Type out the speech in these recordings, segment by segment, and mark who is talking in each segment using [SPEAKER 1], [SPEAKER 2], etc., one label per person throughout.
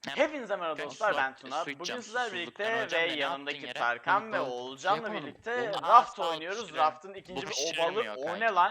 [SPEAKER 1] Hepinize merhaba
[SPEAKER 2] Kanka,
[SPEAKER 1] dostlar,
[SPEAKER 2] su-
[SPEAKER 1] ben Tuna.
[SPEAKER 2] su
[SPEAKER 1] Bugün
[SPEAKER 2] içeceğim,
[SPEAKER 1] sizlerle
[SPEAKER 2] susuzluktan
[SPEAKER 1] birlikte ve
[SPEAKER 2] öleceğim de ne
[SPEAKER 1] yanındaki
[SPEAKER 2] yaptın yere?
[SPEAKER 1] Tarkan ve
[SPEAKER 3] Balık
[SPEAKER 1] Oğulcan'la
[SPEAKER 3] yapamadım.
[SPEAKER 1] birlikte
[SPEAKER 2] Aa,
[SPEAKER 1] Raft
[SPEAKER 2] sağ ol,
[SPEAKER 1] oynuyoruz.
[SPEAKER 2] pişiririm.
[SPEAKER 1] Raft'ın ikinci
[SPEAKER 2] Bu
[SPEAKER 1] bir
[SPEAKER 2] pişirilmiyor
[SPEAKER 1] obalı. O
[SPEAKER 2] kanki.
[SPEAKER 1] ne lan?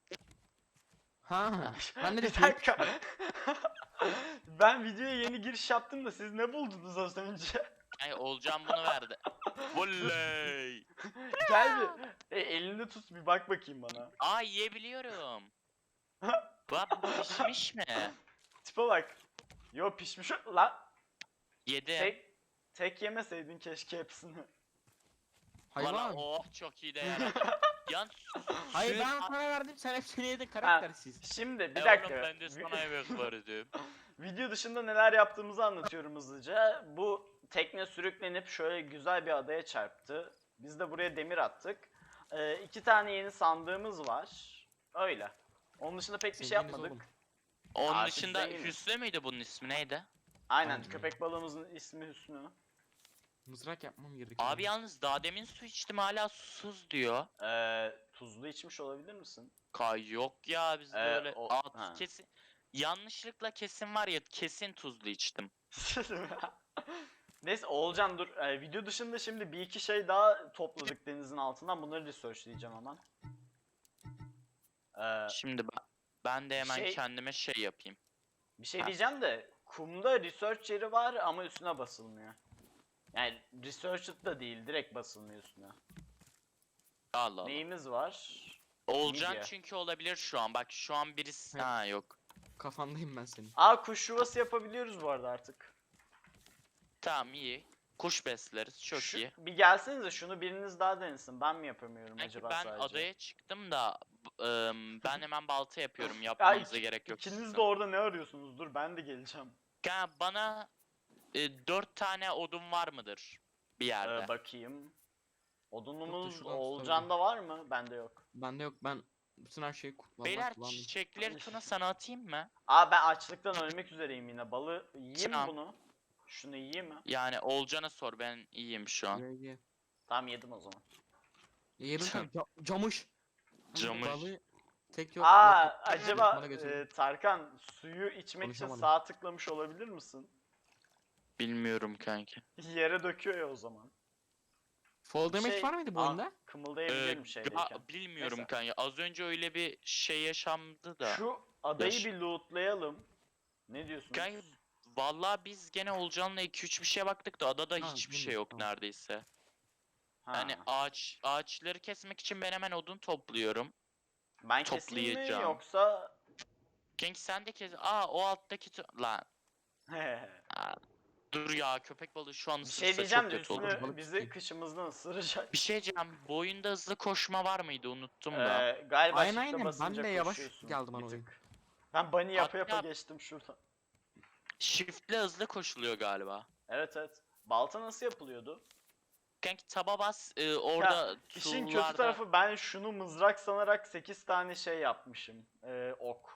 [SPEAKER 3] Ha, ben de
[SPEAKER 1] Bir dakika. Ben videoya yeni giriş yaptım da siz ne buldunuz az önce?
[SPEAKER 2] Ay Olcan bunu verdi. Volley.
[SPEAKER 1] Gel bir elinde tut, bir bak bakayım bana.
[SPEAKER 2] Aa, yiyebiliyorum. Bak, bu pişmiş mi?
[SPEAKER 1] Tipe bak. Yo, pişmiş lan.
[SPEAKER 2] Yedim.
[SPEAKER 1] Tek yemeseydin keşke hepsini.
[SPEAKER 2] Valla
[SPEAKER 3] hayvan.
[SPEAKER 2] oh, çok iyi de yaradı. Yan
[SPEAKER 3] Hayır
[SPEAKER 2] suyun-
[SPEAKER 3] ben sana verdim, sen hepsini yedin karaktersiz.
[SPEAKER 1] Şimdi bir
[SPEAKER 2] Oğlum,
[SPEAKER 1] dakika.
[SPEAKER 2] ben de sana yemek verdim.
[SPEAKER 1] Video dışında neler yaptığımızı anlatıyorum hızlıca. Bu tekne sürüklenip şöyle güzel bir adaya çarptı. Biz de buraya demir attık. 2 tane yeni sandığımız var. Öyle. Onun dışında pek bir şey
[SPEAKER 3] Zenginiz
[SPEAKER 1] yapmadık.
[SPEAKER 3] oğlum.
[SPEAKER 2] Onun
[SPEAKER 1] Artık
[SPEAKER 2] dışında
[SPEAKER 1] zenginiz.
[SPEAKER 2] Hüsnü müydü, bunun ismi neydi?
[SPEAKER 1] Aynen,
[SPEAKER 3] Aynen.
[SPEAKER 1] köpek balığımızın ismi Hüsnü.
[SPEAKER 3] Mızrak yapmam gerekiyor.
[SPEAKER 2] Abi yalnız daha demin su içtim, hala susuz diyor.
[SPEAKER 1] Tuzlu içmiş olabilir misin?
[SPEAKER 2] Yok ya, biz böyle
[SPEAKER 1] ha.
[SPEAKER 2] kesin yanlışlıkla kesin var ya, kesin tuzlu içtim.
[SPEAKER 1] Neyse Oğulcan dur. Video dışında şimdi bir iki şey daha topladık denizin altından. Bunları researchleyeceğim hemen.
[SPEAKER 2] Şimdi ben de hemen
[SPEAKER 1] şey-
[SPEAKER 2] kendime şey yapayım.
[SPEAKER 1] Bir şey
[SPEAKER 2] Ha.
[SPEAKER 1] diyeceğim de kumda research yeri var ama üstüne basılmıyor. Yani researched da değil, direkt basılmıyor üstüne.
[SPEAKER 2] Allah Allah.
[SPEAKER 1] Neyimiz var?
[SPEAKER 2] Olcan
[SPEAKER 1] Midye.
[SPEAKER 2] çünkü olabilir şu an. Bak şu an birisi
[SPEAKER 3] Evet.
[SPEAKER 2] ha yok.
[SPEAKER 3] Kafandayım ben senin.
[SPEAKER 1] Kuş yuvası yapabiliyoruz bu arada artık.
[SPEAKER 2] Tamam, iyi. Kuş besleriz, çok iyi.
[SPEAKER 1] Bir gelsenize, şunu biriniz daha denesin. Ben mi yapamıyorum
[SPEAKER 2] Sanki
[SPEAKER 1] acaba
[SPEAKER 2] ben
[SPEAKER 1] sadece?
[SPEAKER 2] adaya çıktım da ben hemen balta yapıyorum. Yapmanıza gerek yok.
[SPEAKER 1] İkiniz
[SPEAKER 2] sizin.
[SPEAKER 1] de orada ne arıyorsunuz? Dur, ben de geleceğim.
[SPEAKER 2] Bana 4 tane odun var mıdır bir yerde?
[SPEAKER 1] Bakayım. Odunumuz
[SPEAKER 3] şuradan
[SPEAKER 1] Oğulcan'da var mı? Bende yok.
[SPEAKER 3] Bende yok, ben bütün her şeyi
[SPEAKER 2] Beyler,
[SPEAKER 3] kullandım.
[SPEAKER 2] çiçekleri Tuna sana atayım mı?
[SPEAKER 1] Ben açlıktan ölmek üzereyim yine. Balı yiyeyim mi
[SPEAKER 2] Tamam.
[SPEAKER 1] bunu? Şunu yiyeyim mi?
[SPEAKER 2] Yani Olcan'a sor, ben iyiyim şu an.
[SPEAKER 3] Ye.
[SPEAKER 1] Tamam, yedim o zaman.
[SPEAKER 3] Yedim sen camış.
[SPEAKER 2] Camış.
[SPEAKER 3] Balığı tek yok.
[SPEAKER 1] Acaba
[SPEAKER 3] Bana götür.
[SPEAKER 1] Tarkan, suyu içmek için
[SPEAKER 3] Konuşamadım.
[SPEAKER 1] sağ tıklamış olabilir misin?
[SPEAKER 2] Bilmiyorum kanki.
[SPEAKER 1] Yere döküyor ya o zaman.
[SPEAKER 3] Fall damage
[SPEAKER 1] Şey-
[SPEAKER 3] var mıydı bu oyunda?
[SPEAKER 1] Kımıldayabilirim şeydeyken.
[SPEAKER 2] Bilmiyorum
[SPEAKER 1] Neyse.
[SPEAKER 2] kanka. Az önce öyle bir şey yaşandı da.
[SPEAKER 1] Şu adayı
[SPEAKER 2] Yaş-
[SPEAKER 1] bir lootlayalım. Ne diyorsunuz?
[SPEAKER 2] Kanka, vallahi biz gene Olcan'la 2-3 bir şeye baktık da adada
[SPEAKER 3] Ha,
[SPEAKER 2] hiçbir şey
[SPEAKER 3] bilmiyorum,
[SPEAKER 2] yok
[SPEAKER 3] tamam.
[SPEAKER 2] neredeyse.
[SPEAKER 1] Ha.
[SPEAKER 2] Yani ağaçları kesmek için ben hemen odun topluyorum.
[SPEAKER 1] Ben keseyim mi
[SPEAKER 2] toplayacağım.
[SPEAKER 1] yoksa...
[SPEAKER 2] Kanki sen de kes. O alttaki lan. Aa, dur ya, köpek balığı şu an
[SPEAKER 1] Bir
[SPEAKER 2] ısırsa
[SPEAKER 1] şey diyeceğim
[SPEAKER 2] çok
[SPEAKER 1] de
[SPEAKER 2] kötü olur.
[SPEAKER 1] üstüne
[SPEAKER 3] Balık
[SPEAKER 1] bizi
[SPEAKER 3] tutayım.
[SPEAKER 1] kışımızdan ısıracak.
[SPEAKER 2] Bir şey diyeceğim. Bu oyunda hızlı koşma var mıydı? Unuttum da.
[SPEAKER 1] Galiba
[SPEAKER 3] Aynen,
[SPEAKER 1] shift'e
[SPEAKER 3] aynen. Ben
[SPEAKER 1] basınca
[SPEAKER 3] de yavaş
[SPEAKER 1] koşuyorsun
[SPEAKER 3] geldim
[SPEAKER 1] bir
[SPEAKER 3] bana oyun.
[SPEAKER 1] tık. Ben bunny yapa yapa
[SPEAKER 2] Hatta-
[SPEAKER 1] geçtim şuradan.
[SPEAKER 2] Shift'le hızlı koşuluyor galiba.
[SPEAKER 1] Evet evet. Balta nasıl yapılıyordu?
[SPEAKER 2] Kanki taba bas, orada
[SPEAKER 1] İşin kötü
[SPEAKER 2] tool'larda-
[SPEAKER 1] tarafı, ben şunu mızrak sanarak 8 tane şey yapmışım. Ok.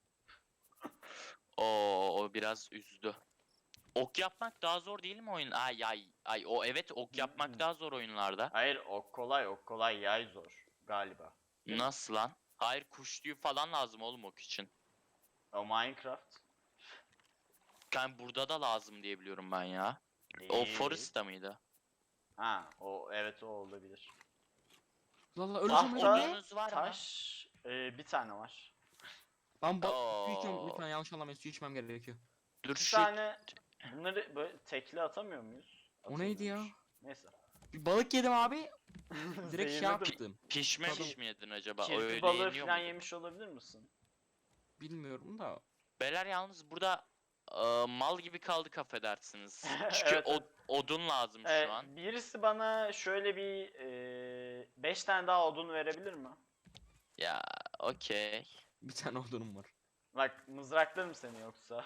[SPEAKER 2] O biraz üzdü. Ok yapmak daha zor değil mi oyun? Ay, o evet, ok yapmak daha zor oyunlarda.
[SPEAKER 1] Hayır, ok kolay, yay zor galiba.
[SPEAKER 2] Nasıl lan? Hayır, kuş tüyü falan lazım oğlum ok için.
[SPEAKER 1] O Minecraft.
[SPEAKER 2] Yani burada da lazım diye biliyorum ben ya. O
[SPEAKER 1] Değil.
[SPEAKER 2] Forest'ta mıydı?
[SPEAKER 1] Evet, o olabilir.
[SPEAKER 3] Valla öleceğim
[SPEAKER 1] Tahta,
[SPEAKER 3] öleceğim.
[SPEAKER 2] Odununuz var mı?
[SPEAKER 1] taş, bir tane var.
[SPEAKER 3] Ben su
[SPEAKER 2] Oo.
[SPEAKER 3] içiyorum lütfen, yanlış anlamayın, su içmem gerekiyor.
[SPEAKER 2] Dur
[SPEAKER 1] Bir
[SPEAKER 2] şu
[SPEAKER 1] tane, bunları böyle tekli atamıyor muyuz?
[SPEAKER 3] O neydi ya?
[SPEAKER 1] Atılmıyormuş. Neyse.
[SPEAKER 3] Bir balık yedim abi. Direkt şey
[SPEAKER 1] Zehirledim.
[SPEAKER 3] yaptım.
[SPEAKER 2] pişmemiş
[SPEAKER 3] Tadım.
[SPEAKER 2] mi yedin acaba?
[SPEAKER 1] Kirpi
[SPEAKER 2] Öyle
[SPEAKER 1] balığı
[SPEAKER 2] yeniyor
[SPEAKER 1] falan
[SPEAKER 2] mu?
[SPEAKER 1] yemiş olabilir misin?
[SPEAKER 3] Bilmiyorum da.
[SPEAKER 2] Beyler yalnız burada mal gibi kaldık, affedersiniz. Çünkü
[SPEAKER 1] Evet, evet.
[SPEAKER 2] odun lazım şu an.
[SPEAKER 1] Birisi bana şöyle bir 5 tane daha odun verebilir mi?
[SPEAKER 2] Ya okey.
[SPEAKER 3] Bir tane odunum var.
[SPEAKER 1] Bak, mızraklarım seni yoksa.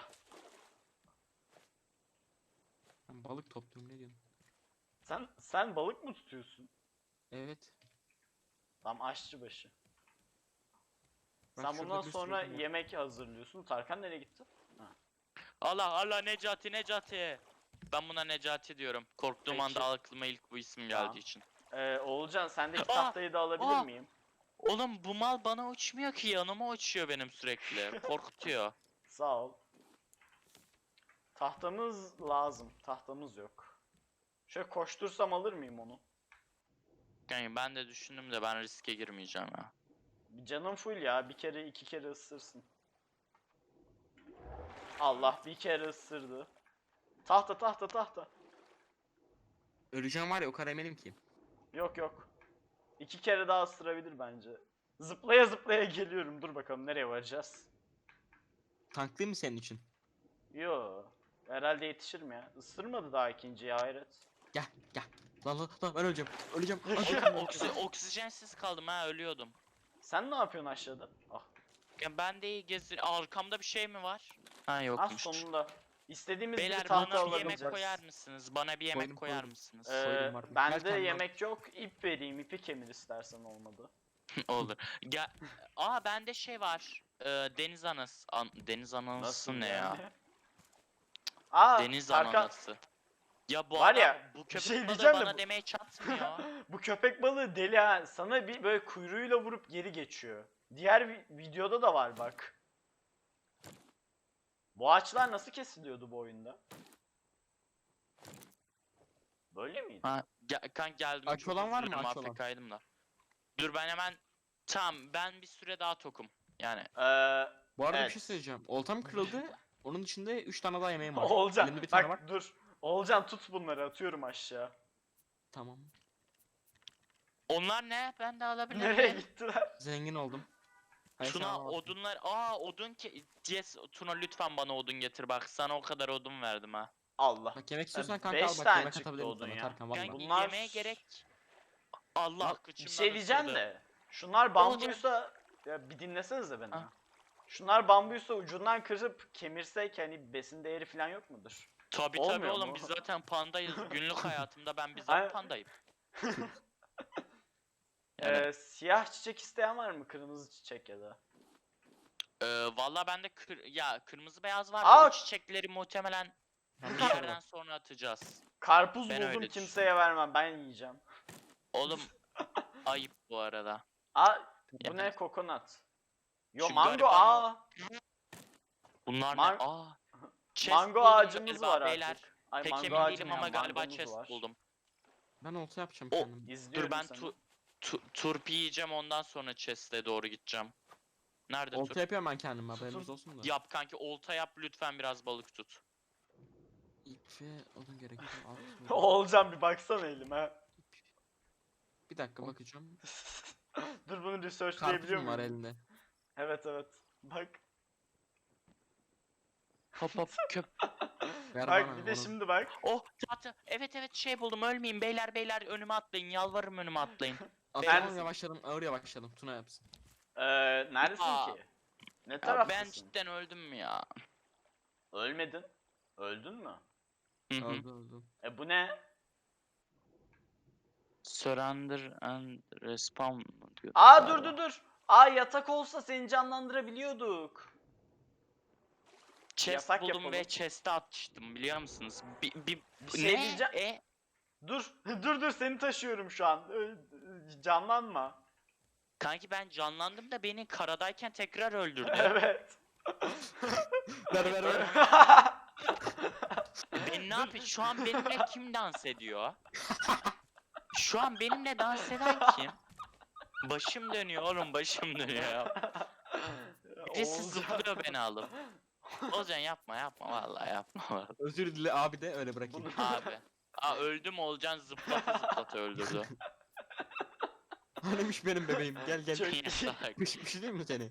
[SPEAKER 3] Ben balık topluyorum, ne diyorsun?
[SPEAKER 1] Sen balık mı tutuyorsun?
[SPEAKER 3] Evet.
[SPEAKER 1] Tam aşçı başı.
[SPEAKER 3] Bak
[SPEAKER 1] Sen
[SPEAKER 3] şurada
[SPEAKER 1] bundan
[SPEAKER 3] bir sürü
[SPEAKER 1] sonra
[SPEAKER 3] odun var.
[SPEAKER 1] yemek hazırlıyorsun. Tarkan nereye gitti?
[SPEAKER 2] Allah Necati. Ben buna Necati diyorum. Korktuğum
[SPEAKER 1] Peki.
[SPEAKER 2] anda aklıma ilk bu isim
[SPEAKER 1] Tamam.
[SPEAKER 2] geldiği için.
[SPEAKER 1] Oğulcan, sendeki
[SPEAKER 2] Aa!
[SPEAKER 1] tahtayı da alabilir
[SPEAKER 2] Aa!
[SPEAKER 1] miyim?
[SPEAKER 2] Oğlum bu mal bana uçmuyor ki, yanıma uçuyor benim sürekli. Korkutuyor.
[SPEAKER 1] Sağ ol. Tahtamız lazım. Tahtamız yok. Şöyle koştursam alır mıyım onu?
[SPEAKER 2] Yani ben de düşündüm de ben riske girmeyeceğim ya.
[SPEAKER 1] Canım full ya. Bir kere iki kere ısırsın. Allah bir kere ısırdı. Tahta tahta tahta.
[SPEAKER 3] Öleceğim var ya o kadar eminim ki.
[SPEAKER 1] Yok yok. İki kere daha ısırabilir bence. Zıplaya zıplaya geliyorum. Dur bakalım nereye varacağız.
[SPEAKER 3] Tanklı mı senin için?
[SPEAKER 1] Yo. Herhalde yetişirim ya. Isırmadı daha ikinciyi hayret.
[SPEAKER 3] Gel gel. Lan ben öleceğim. Öleceğim.
[SPEAKER 2] Oksijensiz kaldım ha, ölüyordum.
[SPEAKER 1] Sen ne yapıyorsun aşağıda? Ah.
[SPEAKER 2] Ya ben de iyi gezdir. Arkamda bir şey mi var? Ha
[SPEAKER 1] Ah
[SPEAKER 2] yokmuş.
[SPEAKER 1] sonunda. İstediğimiz
[SPEAKER 2] Beyler
[SPEAKER 1] bir tahta
[SPEAKER 2] bana bir yemek
[SPEAKER 1] alabileceğiz.
[SPEAKER 2] koyar mısınız? Bana bir yemek
[SPEAKER 3] Koydum,
[SPEAKER 2] koyar
[SPEAKER 3] koydum.
[SPEAKER 2] mısınız?
[SPEAKER 3] Koydum var. Gel
[SPEAKER 1] Bende
[SPEAKER 3] kendine al.
[SPEAKER 1] yemek yok. İp vereyim. İpi kemir istersen olmadı.
[SPEAKER 2] Olur. Gel. Aa bende şey var. Deniz anası. Deniz anası ne ya?
[SPEAKER 1] yani? Aa,
[SPEAKER 2] Deniz
[SPEAKER 1] Tarkan,
[SPEAKER 2] ananası. Ya bu
[SPEAKER 1] Var
[SPEAKER 2] adam
[SPEAKER 1] ya,
[SPEAKER 2] bu
[SPEAKER 1] bir
[SPEAKER 2] köpek
[SPEAKER 1] şey
[SPEAKER 2] balığı
[SPEAKER 1] diyeceğim de
[SPEAKER 2] bana
[SPEAKER 1] bu-
[SPEAKER 2] demeye çatmıyor.
[SPEAKER 1] bu köpek balığı deli ha. Sana bir böyle kuyruğuyla vurup geri geçiyor. Diğer videoda da var bak. Bu ağaçlar nasıl kesiliyordu bu oyunda? Böyle miydi?
[SPEAKER 2] Ha, geldim.
[SPEAKER 3] Aç
[SPEAKER 2] çok
[SPEAKER 3] olan var mı?
[SPEAKER 2] üzülürüm,
[SPEAKER 3] Aç olan.
[SPEAKER 2] AFK'ydım da. Dur ben hemen. Tamam ben bir süre daha tokum. Yani
[SPEAKER 3] Bu arada
[SPEAKER 1] Evet.
[SPEAKER 3] bir şey söyleyeceğim. Oltam kırıldı. Onun dışında 3 tane daha yemeğim var.
[SPEAKER 1] Olcan
[SPEAKER 3] Elimde bir tane
[SPEAKER 1] bak
[SPEAKER 3] var.
[SPEAKER 1] dur. Olcan tut bunları atıyorum aşağı.
[SPEAKER 3] Tamam.
[SPEAKER 2] onlar ne? Ben de alabilir
[SPEAKER 1] Nereye
[SPEAKER 2] miyim?
[SPEAKER 1] gittiler?
[SPEAKER 3] Zengin oldum. Hayır, sen
[SPEAKER 2] Tuna
[SPEAKER 3] alamazsın.
[SPEAKER 2] odunlar. Odun ki. Yes, Tuna lütfen bana odun getir bak. Sana o kadar odun verdim ha.
[SPEAKER 1] Allah.
[SPEAKER 3] Bak yemek istiyorsan kanka
[SPEAKER 1] 5
[SPEAKER 3] al bak
[SPEAKER 1] tane
[SPEAKER 3] yemek
[SPEAKER 1] çıktı
[SPEAKER 3] atabilirim
[SPEAKER 1] odun
[SPEAKER 3] sana
[SPEAKER 1] ya.
[SPEAKER 3] Tarkan
[SPEAKER 2] Yani
[SPEAKER 3] valla.
[SPEAKER 1] Bunlar-
[SPEAKER 2] yemeğe gerek. Allah
[SPEAKER 3] Lan,
[SPEAKER 1] Bir
[SPEAKER 2] kıçımdan
[SPEAKER 1] şey diyeceğim
[SPEAKER 2] ısırdı.
[SPEAKER 1] de. Şunlar bambuysa ya bir dinlesenize beni.
[SPEAKER 2] Ha.
[SPEAKER 1] Şunlar bambuysa ucundan kırıp kemirsek hani besin değeri falan yok mudur?
[SPEAKER 2] Tabii
[SPEAKER 1] Olmuyor
[SPEAKER 2] oğlum
[SPEAKER 1] mu?
[SPEAKER 2] biz zaten pandayız. Günlük hayatımda ben
[SPEAKER 1] Aynen.
[SPEAKER 2] bizzat pandayım. Yani,
[SPEAKER 1] Siyah çiçek isteyen var mı? Kırmızı çiçek ya da.
[SPEAKER 2] valla bende kırmızı beyaz var.
[SPEAKER 1] Aa!
[SPEAKER 2] O çiçekleri muhtemelen
[SPEAKER 3] Ben
[SPEAKER 2] bir
[SPEAKER 3] bir şey
[SPEAKER 2] yerden
[SPEAKER 3] var.
[SPEAKER 2] sonra atacağız.
[SPEAKER 1] Karpuz
[SPEAKER 2] Ben
[SPEAKER 1] buldum
[SPEAKER 2] öyle
[SPEAKER 1] kimseye vermem ben yiyeceğim.
[SPEAKER 2] Oğlum ayıp bu arada.
[SPEAKER 1] Aa bu
[SPEAKER 2] Ya
[SPEAKER 1] ne
[SPEAKER 2] ben-
[SPEAKER 1] kokonat? Yo
[SPEAKER 2] Şu
[SPEAKER 1] mango
[SPEAKER 2] gariban-
[SPEAKER 1] aa.
[SPEAKER 2] Bunlar
[SPEAKER 1] Man-
[SPEAKER 2] ne? Chest
[SPEAKER 1] Mango
[SPEAKER 2] buldum
[SPEAKER 1] ağacımız
[SPEAKER 2] galiba
[SPEAKER 1] var
[SPEAKER 2] beyler.
[SPEAKER 1] artık. Ay
[SPEAKER 2] Pek
[SPEAKER 1] mango
[SPEAKER 2] emin
[SPEAKER 1] ağacı
[SPEAKER 2] değilim
[SPEAKER 1] mı
[SPEAKER 2] ama
[SPEAKER 1] ya,
[SPEAKER 2] galiba
[SPEAKER 1] mangomuz
[SPEAKER 2] chest
[SPEAKER 1] var.
[SPEAKER 2] buldum.
[SPEAKER 3] Ben olta yapacağım
[SPEAKER 2] O-
[SPEAKER 3] kendim.
[SPEAKER 1] İzliyorum
[SPEAKER 2] Dur ben
[SPEAKER 1] seni.
[SPEAKER 2] turp yiyeceğim ondan sonra chest'e doğru gideceğim. Nerede
[SPEAKER 3] Olta
[SPEAKER 2] turp?
[SPEAKER 3] yapıyorum ben kendim haberiniz
[SPEAKER 1] Tutun.
[SPEAKER 3] olsun da.
[SPEAKER 2] Yap kanki olta yap lütfen biraz balık tut.
[SPEAKER 3] İp ve odun gerekiyor.
[SPEAKER 1] Olcan bir baksana elime.
[SPEAKER 3] Bir dakika bakacağım.
[SPEAKER 1] Dur bunu researchlayabiliyor
[SPEAKER 3] Karpuzum var
[SPEAKER 1] muyum?
[SPEAKER 3] elinde.
[SPEAKER 1] Evet evet. Bak.
[SPEAKER 2] Hop hop köp.
[SPEAKER 3] Ver
[SPEAKER 1] Bak
[SPEAKER 3] bana
[SPEAKER 1] bir de
[SPEAKER 3] onu.
[SPEAKER 1] şimdi bak.
[SPEAKER 2] Oh tahta. Evet şey buldum ölmeyeyim beyler önüme atlayın yalvarırım önüme atlayın.
[SPEAKER 3] Atlamam
[SPEAKER 1] Neredesin?
[SPEAKER 3] yavaşladım ağır yavaşladım. Tuna yapsın.
[SPEAKER 1] Neredesin
[SPEAKER 2] Aa.
[SPEAKER 1] ki? Ne
[SPEAKER 2] Ya
[SPEAKER 1] taraftasın?
[SPEAKER 2] ben cidden öldüm ya.
[SPEAKER 1] Ölmedin. Öldün mü?
[SPEAKER 2] Hı hı.
[SPEAKER 3] Öldü.
[SPEAKER 1] Bu ne?
[SPEAKER 2] Surrender and respawn diyor.
[SPEAKER 1] Aa
[SPEAKER 2] galiba.
[SPEAKER 1] dur. Aa yatak olsa seni canlandırabiliyorduk.
[SPEAKER 2] Chest
[SPEAKER 1] Yatak
[SPEAKER 2] buldum
[SPEAKER 1] yapalım.
[SPEAKER 2] ve chest'e atmıştım biliyor musunuz?
[SPEAKER 1] Bir şey
[SPEAKER 2] ne?
[SPEAKER 1] diyeceğim. Dur. dur seni taşıyorum şu an. Canlanma.
[SPEAKER 2] Kanki ben canlandım da beni karadayken tekrar öldürdü.
[SPEAKER 1] Evet.
[SPEAKER 3] Ver.
[SPEAKER 2] Ben ne yapayım? Şu an benimle kim dans ediyor? Şu an benimle dans eden kim? Başım dönüyor oğlum başım dönüyor ya. Birisi
[SPEAKER 1] Olcan.
[SPEAKER 2] zıplıyor beni alıp. Ozan yapma vallahi yapma vallahi.
[SPEAKER 3] Özür dile abi de öyle bırakayım.
[SPEAKER 2] Abi. Öldüm Olcan zıplata öldürdü.
[SPEAKER 3] Hanimiş benim bebeğim gel.
[SPEAKER 1] Çok-
[SPEAKER 2] Ya salak.
[SPEAKER 3] Bir şey değil mi seni?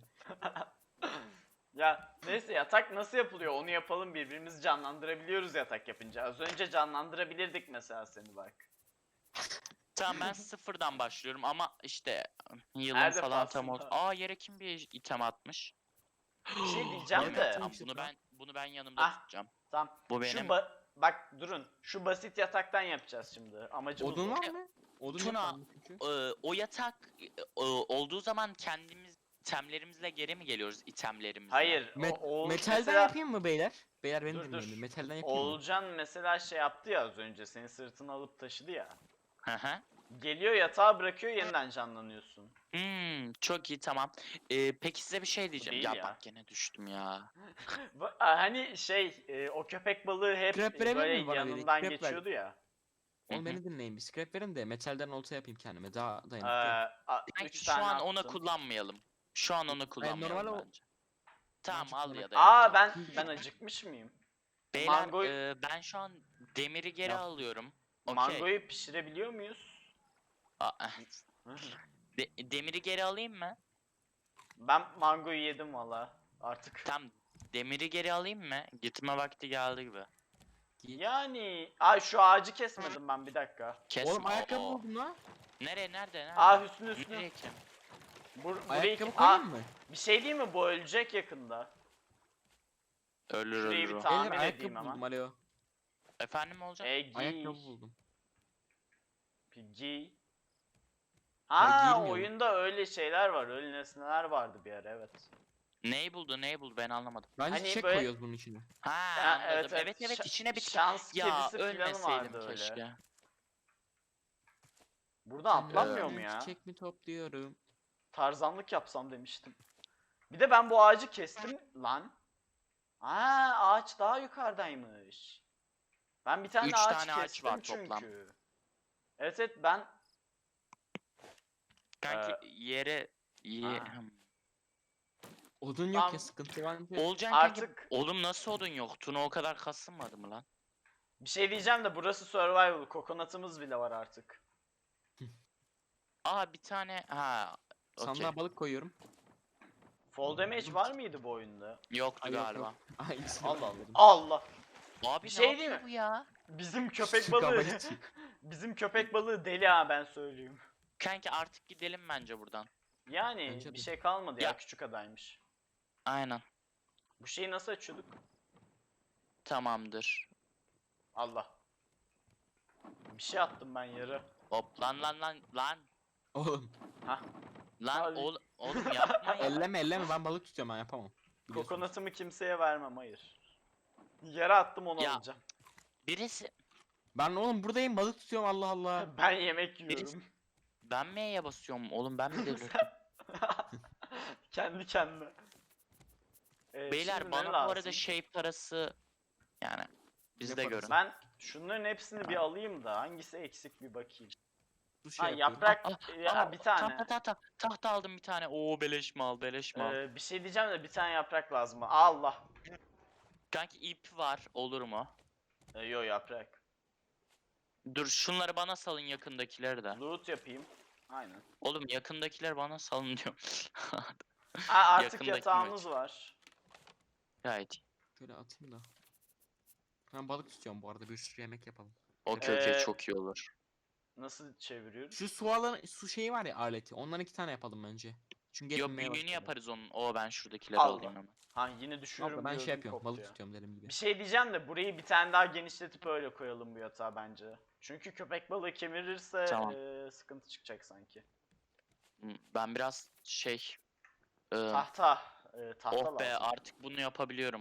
[SPEAKER 1] Ya neyse yatak nasıl yapılıyor onu yapalım birbirimizi canlandırabiliyoruz yatak yapınca. Az önce canlandırabilirdik mesela seni bak.
[SPEAKER 2] Tamam ben sıfırdan başlıyorum ama işte yılın
[SPEAKER 1] Her
[SPEAKER 2] falan tam oldu.
[SPEAKER 1] defasında.
[SPEAKER 2] Yere kim bir item atmış?
[SPEAKER 1] Bir şey diyeceğim
[SPEAKER 2] Tamam,
[SPEAKER 1] de.
[SPEAKER 2] tamam, bunu ben yanımda
[SPEAKER 1] Ah.
[SPEAKER 2] tutacağım.
[SPEAKER 1] Tamam.
[SPEAKER 2] Bu
[SPEAKER 1] Şu
[SPEAKER 2] benim.
[SPEAKER 1] bak durun. Şu basit yataktan yapacağız şimdi. Amacımız
[SPEAKER 3] Odun
[SPEAKER 1] o.
[SPEAKER 3] var mı? Odun
[SPEAKER 2] Tuna,
[SPEAKER 3] yok bende çünkü.
[SPEAKER 2] O yatak olduğu zaman kendimiz itemlerimizle geri mi geliyoruz itemlerimizle?
[SPEAKER 1] Hayır.
[SPEAKER 3] Metalden
[SPEAKER 1] mesela,
[SPEAKER 3] yapayım mı beyler? Beyler beni
[SPEAKER 1] Dur,
[SPEAKER 3] dinleyin.
[SPEAKER 1] dur.
[SPEAKER 3] Metalden yapayım mı?
[SPEAKER 1] Oğulcan mesela şey yaptı ya az önce. Seni sırtına alıp taşıdı ya.
[SPEAKER 2] Hı hı.
[SPEAKER 1] Geliyor yatağa bırakıyor yeniden canlanıyorsun.
[SPEAKER 2] Çok iyi, tamam. Peki size bir şey diyeceğim.
[SPEAKER 1] değil
[SPEAKER 2] Ya
[SPEAKER 1] ya.
[SPEAKER 2] bak gene düştüm ya.
[SPEAKER 1] Hani o köpek balığı hep
[SPEAKER 3] Scrap verebilir
[SPEAKER 1] böyle
[SPEAKER 3] mi bana biri?
[SPEAKER 1] yanından
[SPEAKER 3] Scrap ver.
[SPEAKER 1] geçiyordu ya.
[SPEAKER 2] Hı
[SPEAKER 3] Oğlum
[SPEAKER 2] hı.
[SPEAKER 3] beni dinleyin, bir scrap verin de metalden olta yapayım kendime, daha
[SPEAKER 1] Ee,
[SPEAKER 3] dayanıklı.
[SPEAKER 2] Belki
[SPEAKER 1] 3
[SPEAKER 2] şu
[SPEAKER 1] tane
[SPEAKER 2] an onu
[SPEAKER 1] attım.
[SPEAKER 2] kullanmayalım. Şu an onu kullanmayalım
[SPEAKER 3] normal o-
[SPEAKER 2] bence. Tamam,
[SPEAKER 3] Bence
[SPEAKER 2] al
[SPEAKER 3] kullan-
[SPEAKER 2] ya da
[SPEAKER 1] Aa
[SPEAKER 2] yapacağım.
[SPEAKER 1] ben acıkmış mıyım?
[SPEAKER 2] Beyler,
[SPEAKER 1] Mangoyu-
[SPEAKER 2] ben şu an demiri geri
[SPEAKER 3] Yap.
[SPEAKER 2] alıyorum. Okey.
[SPEAKER 1] Mangoyu pişirebiliyor muyuz?
[SPEAKER 2] Demiri geri alayım mı?
[SPEAKER 1] Ben mangoyu yedim valla artık.
[SPEAKER 2] Tam demiri geri alayım mı? Gitme vakti geldi gibi.
[SPEAKER 3] Git.
[SPEAKER 1] Yani şu ağacı kesmedim ben bir dakika.
[SPEAKER 2] Kesme.
[SPEAKER 3] Oğlum ayakkabı
[SPEAKER 2] Oo.
[SPEAKER 3] buldum la.
[SPEAKER 2] Nerede?
[SPEAKER 1] Hüsnü
[SPEAKER 2] Nereye kim?
[SPEAKER 1] burayı
[SPEAKER 3] Ayakkabı koyayım mı?
[SPEAKER 1] bir şey değil mi, bu ölecek yakında.
[SPEAKER 2] Ölür
[SPEAKER 1] Şurayı
[SPEAKER 2] ölür
[SPEAKER 1] bir
[SPEAKER 2] o.
[SPEAKER 1] tamir
[SPEAKER 3] Beyler
[SPEAKER 1] edeyim
[SPEAKER 3] ayakkabı
[SPEAKER 1] ama.
[SPEAKER 3] buldum, alo.
[SPEAKER 2] Efendim olacak?
[SPEAKER 1] Giy.
[SPEAKER 3] Ayakkabı buldum.
[SPEAKER 1] Giy.
[SPEAKER 3] Ya giymiyorum.
[SPEAKER 1] Oyunda öyle şeyler var, öyle nesneler vardı bir ara, evet.
[SPEAKER 2] Neyi buldu ben anlamadım.
[SPEAKER 3] Bence
[SPEAKER 1] Hani
[SPEAKER 3] çiçek
[SPEAKER 1] böyle-
[SPEAKER 3] koyuyoruz bunun içine.
[SPEAKER 2] Ha,
[SPEAKER 1] Ya,
[SPEAKER 2] anladım. Evet içine bir
[SPEAKER 1] şans
[SPEAKER 2] ya
[SPEAKER 1] kedisi falan
[SPEAKER 2] ölmeseydim
[SPEAKER 1] vardı öyle.
[SPEAKER 2] keşke.
[SPEAKER 1] Buradan atlanmıyor mu
[SPEAKER 3] Senden
[SPEAKER 1] ya?
[SPEAKER 3] Çiçek mi topluyorum?
[SPEAKER 1] Tarzanlık yapsam demiştim. Bir de ben bu ağacı kestim lan. Ağaç daha yukarıdaymış. Ben bir tane
[SPEAKER 2] 3
[SPEAKER 1] ağaç
[SPEAKER 2] tane ağaç
[SPEAKER 1] kestim
[SPEAKER 2] var
[SPEAKER 1] çünkü.
[SPEAKER 2] toplam.
[SPEAKER 1] Evet ben
[SPEAKER 2] Kanki yere
[SPEAKER 1] Ha.
[SPEAKER 3] Odun yok
[SPEAKER 1] Tamam.
[SPEAKER 3] ya, sıkıntı var mı?
[SPEAKER 2] Olcan kanki.
[SPEAKER 1] artık
[SPEAKER 2] Oğlum nasıl odun yok? Tuna o kadar kasılmadı mı lan?
[SPEAKER 1] bir şey diyeceğim de burası survival. Kokonatımız bile var artık.
[SPEAKER 2] Aa bir tane okey.
[SPEAKER 3] Sandığa balık koyuyorum.
[SPEAKER 1] Fall damage var mıydı bu oyunda?
[SPEAKER 2] Yoktu
[SPEAKER 3] Ay, yok,
[SPEAKER 2] galiba.
[SPEAKER 3] yok. Aynısını
[SPEAKER 1] Allah Allah.
[SPEAKER 3] koydum.
[SPEAKER 1] Allah.
[SPEAKER 2] Abi
[SPEAKER 1] Bir
[SPEAKER 2] ne
[SPEAKER 1] şey
[SPEAKER 2] yapıyor
[SPEAKER 1] değil mi?
[SPEAKER 2] bu ya?
[SPEAKER 1] Bizim köpek
[SPEAKER 3] Şu
[SPEAKER 1] balığı.
[SPEAKER 3] gabarit.
[SPEAKER 1] Bizim köpek balığı deli ha, ben söyleyeyim.
[SPEAKER 2] Kanki artık gidelim bence buradan.
[SPEAKER 1] Yani
[SPEAKER 3] Bence
[SPEAKER 1] bir
[SPEAKER 3] de.
[SPEAKER 1] şey kalmadı ya,
[SPEAKER 2] Ya.
[SPEAKER 1] küçük adaymış.
[SPEAKER 2] Aynen.
[SPEAKER 1] Bu şeyi nasıl açıyorduk?
[SPEAKER 2] Tamamdır.
[SPEAKER 1] Allah. Bir şey attım ben yere.
[SPEAKER 2] Hop lan.
[SPEAKER 3] Oğlum
[SPEAKER 2] Lan
[SPEAKER 1] Abi.
[SPEAKER 2] oğlum yapma ya.
[SPEAKER 3] elleme ben balık tutuyorum, ben yapamam. Biliyorsunuz.
[SPEAKER 1] Kokonatımı kimseye vermem, hayır. Yere attım, onu
[SPEAKER 2] Ya.
[SPEAKER 1] alacağım.
[SPEAKER 2] Birisi
[SPEAKER 3] Ben oğlum buradayım, balık tutuyorum, Allah Allah.
[SPEAKER 1] Ben yemek yiyorum.
[SPEAKER 2] ben M'ye basıyorum oğlum, ben mi delirdim?
[SPEAKER 1] Kendi kendine.
[SPEAKER 2] Beyler
[SPEAKER 1] şimdi ne
[SPEAKER 2] bana bu
[SPEAKER 1] lazım?
[SPEAKER 2] arada şey parası yani biz
[SPEAKER 3] Ne
[SPEAKER 2] de
[SPEAKER 3] parası?
[SPEAKER 2] görün.
[SPEAKER 1] Ben şunların hepsini bir alayım da hangisi eksik bir bakayım.
[SPEAKER 3] Dur şey yapıyorum.
[SPEAKER 1] Yaprak
[SPEAKER 2] Aa,
[SPEAKER 1] bir tane.
[SPEAKER 2] Tahta aldım bir tane. Oo beleş mal.
[SPEAKER 1] Bir şey diyeceğim de bir tane yaprak lazım. Allah.
[SPEAKER 2] Kanki ip var, olur mu?
[SPEAKER 1] Yo, yaprak.
[SPEAKER 2] Dur şunları bana salın, yakındakileri de.
[SPEAKER 1] Loot yapayım. Aynen.
[SPEAKER 2] Oğlum yakındakiler bana salın diyor.
[SPEAKER 1] Artık
[SPEAKER 2] Yakındaki
[SPEAKER 1] yatağımız var.
[SPEAKER 2] Gayet iyi.
[SPEAKER 3] Şöyle atayım da. Ben balık tutuyorum bu arada, bir sürü yemek yapalım.
[SPEAKER 2] Okey çok iyi olur.
[SPEAKER 1] Nasıl çeviriyoruz?
[SPEAKER 3] Şu su şeyi var ya, aleti. Ondan 2 tane yapalım bence. Çünkü
[SPEAKER 2] Yok
[SPEAKER 3] yetmeye
[SPEAKER 2] büyüğünü
[SPEAKER 3] başladı.
[SPEAKER 2] yaparız onun. Ben şuradakileri
[SPEAKER 1] Allah.
[SPEAKER 2] alayım hemen.
[SPEAKER 1] Yine düşürürüm.
[SPEAKER 3] Abla ben
[SPEAKER 1] diyordum,
[SPEAKER 3] şey yapıyorum,
[SPEAKER 1] koptu
[SPEAKER 3] balık
[SPEAKER 1] ya.
[SPEAKER 3] tutuyorum dedim gibi.
[SPEAKER 1] Bir şey diyeceğim de burayı bir tane daha genişletip öyle koyalım bu yatağa bence. Çünkü köpek balığı kemirirse
[SPEAKER 2] Tamam.
[SPEAKER 1] sıkıntı çıkacak sanki.
[SPEAKER 2] Ben biraz şey...
[SPEAKER 1] Tahta
[SPEAKER 2] oh be
[SPEAKER 1] lazım.
[SPEAKER 2] artık bunu yapabiliyorum.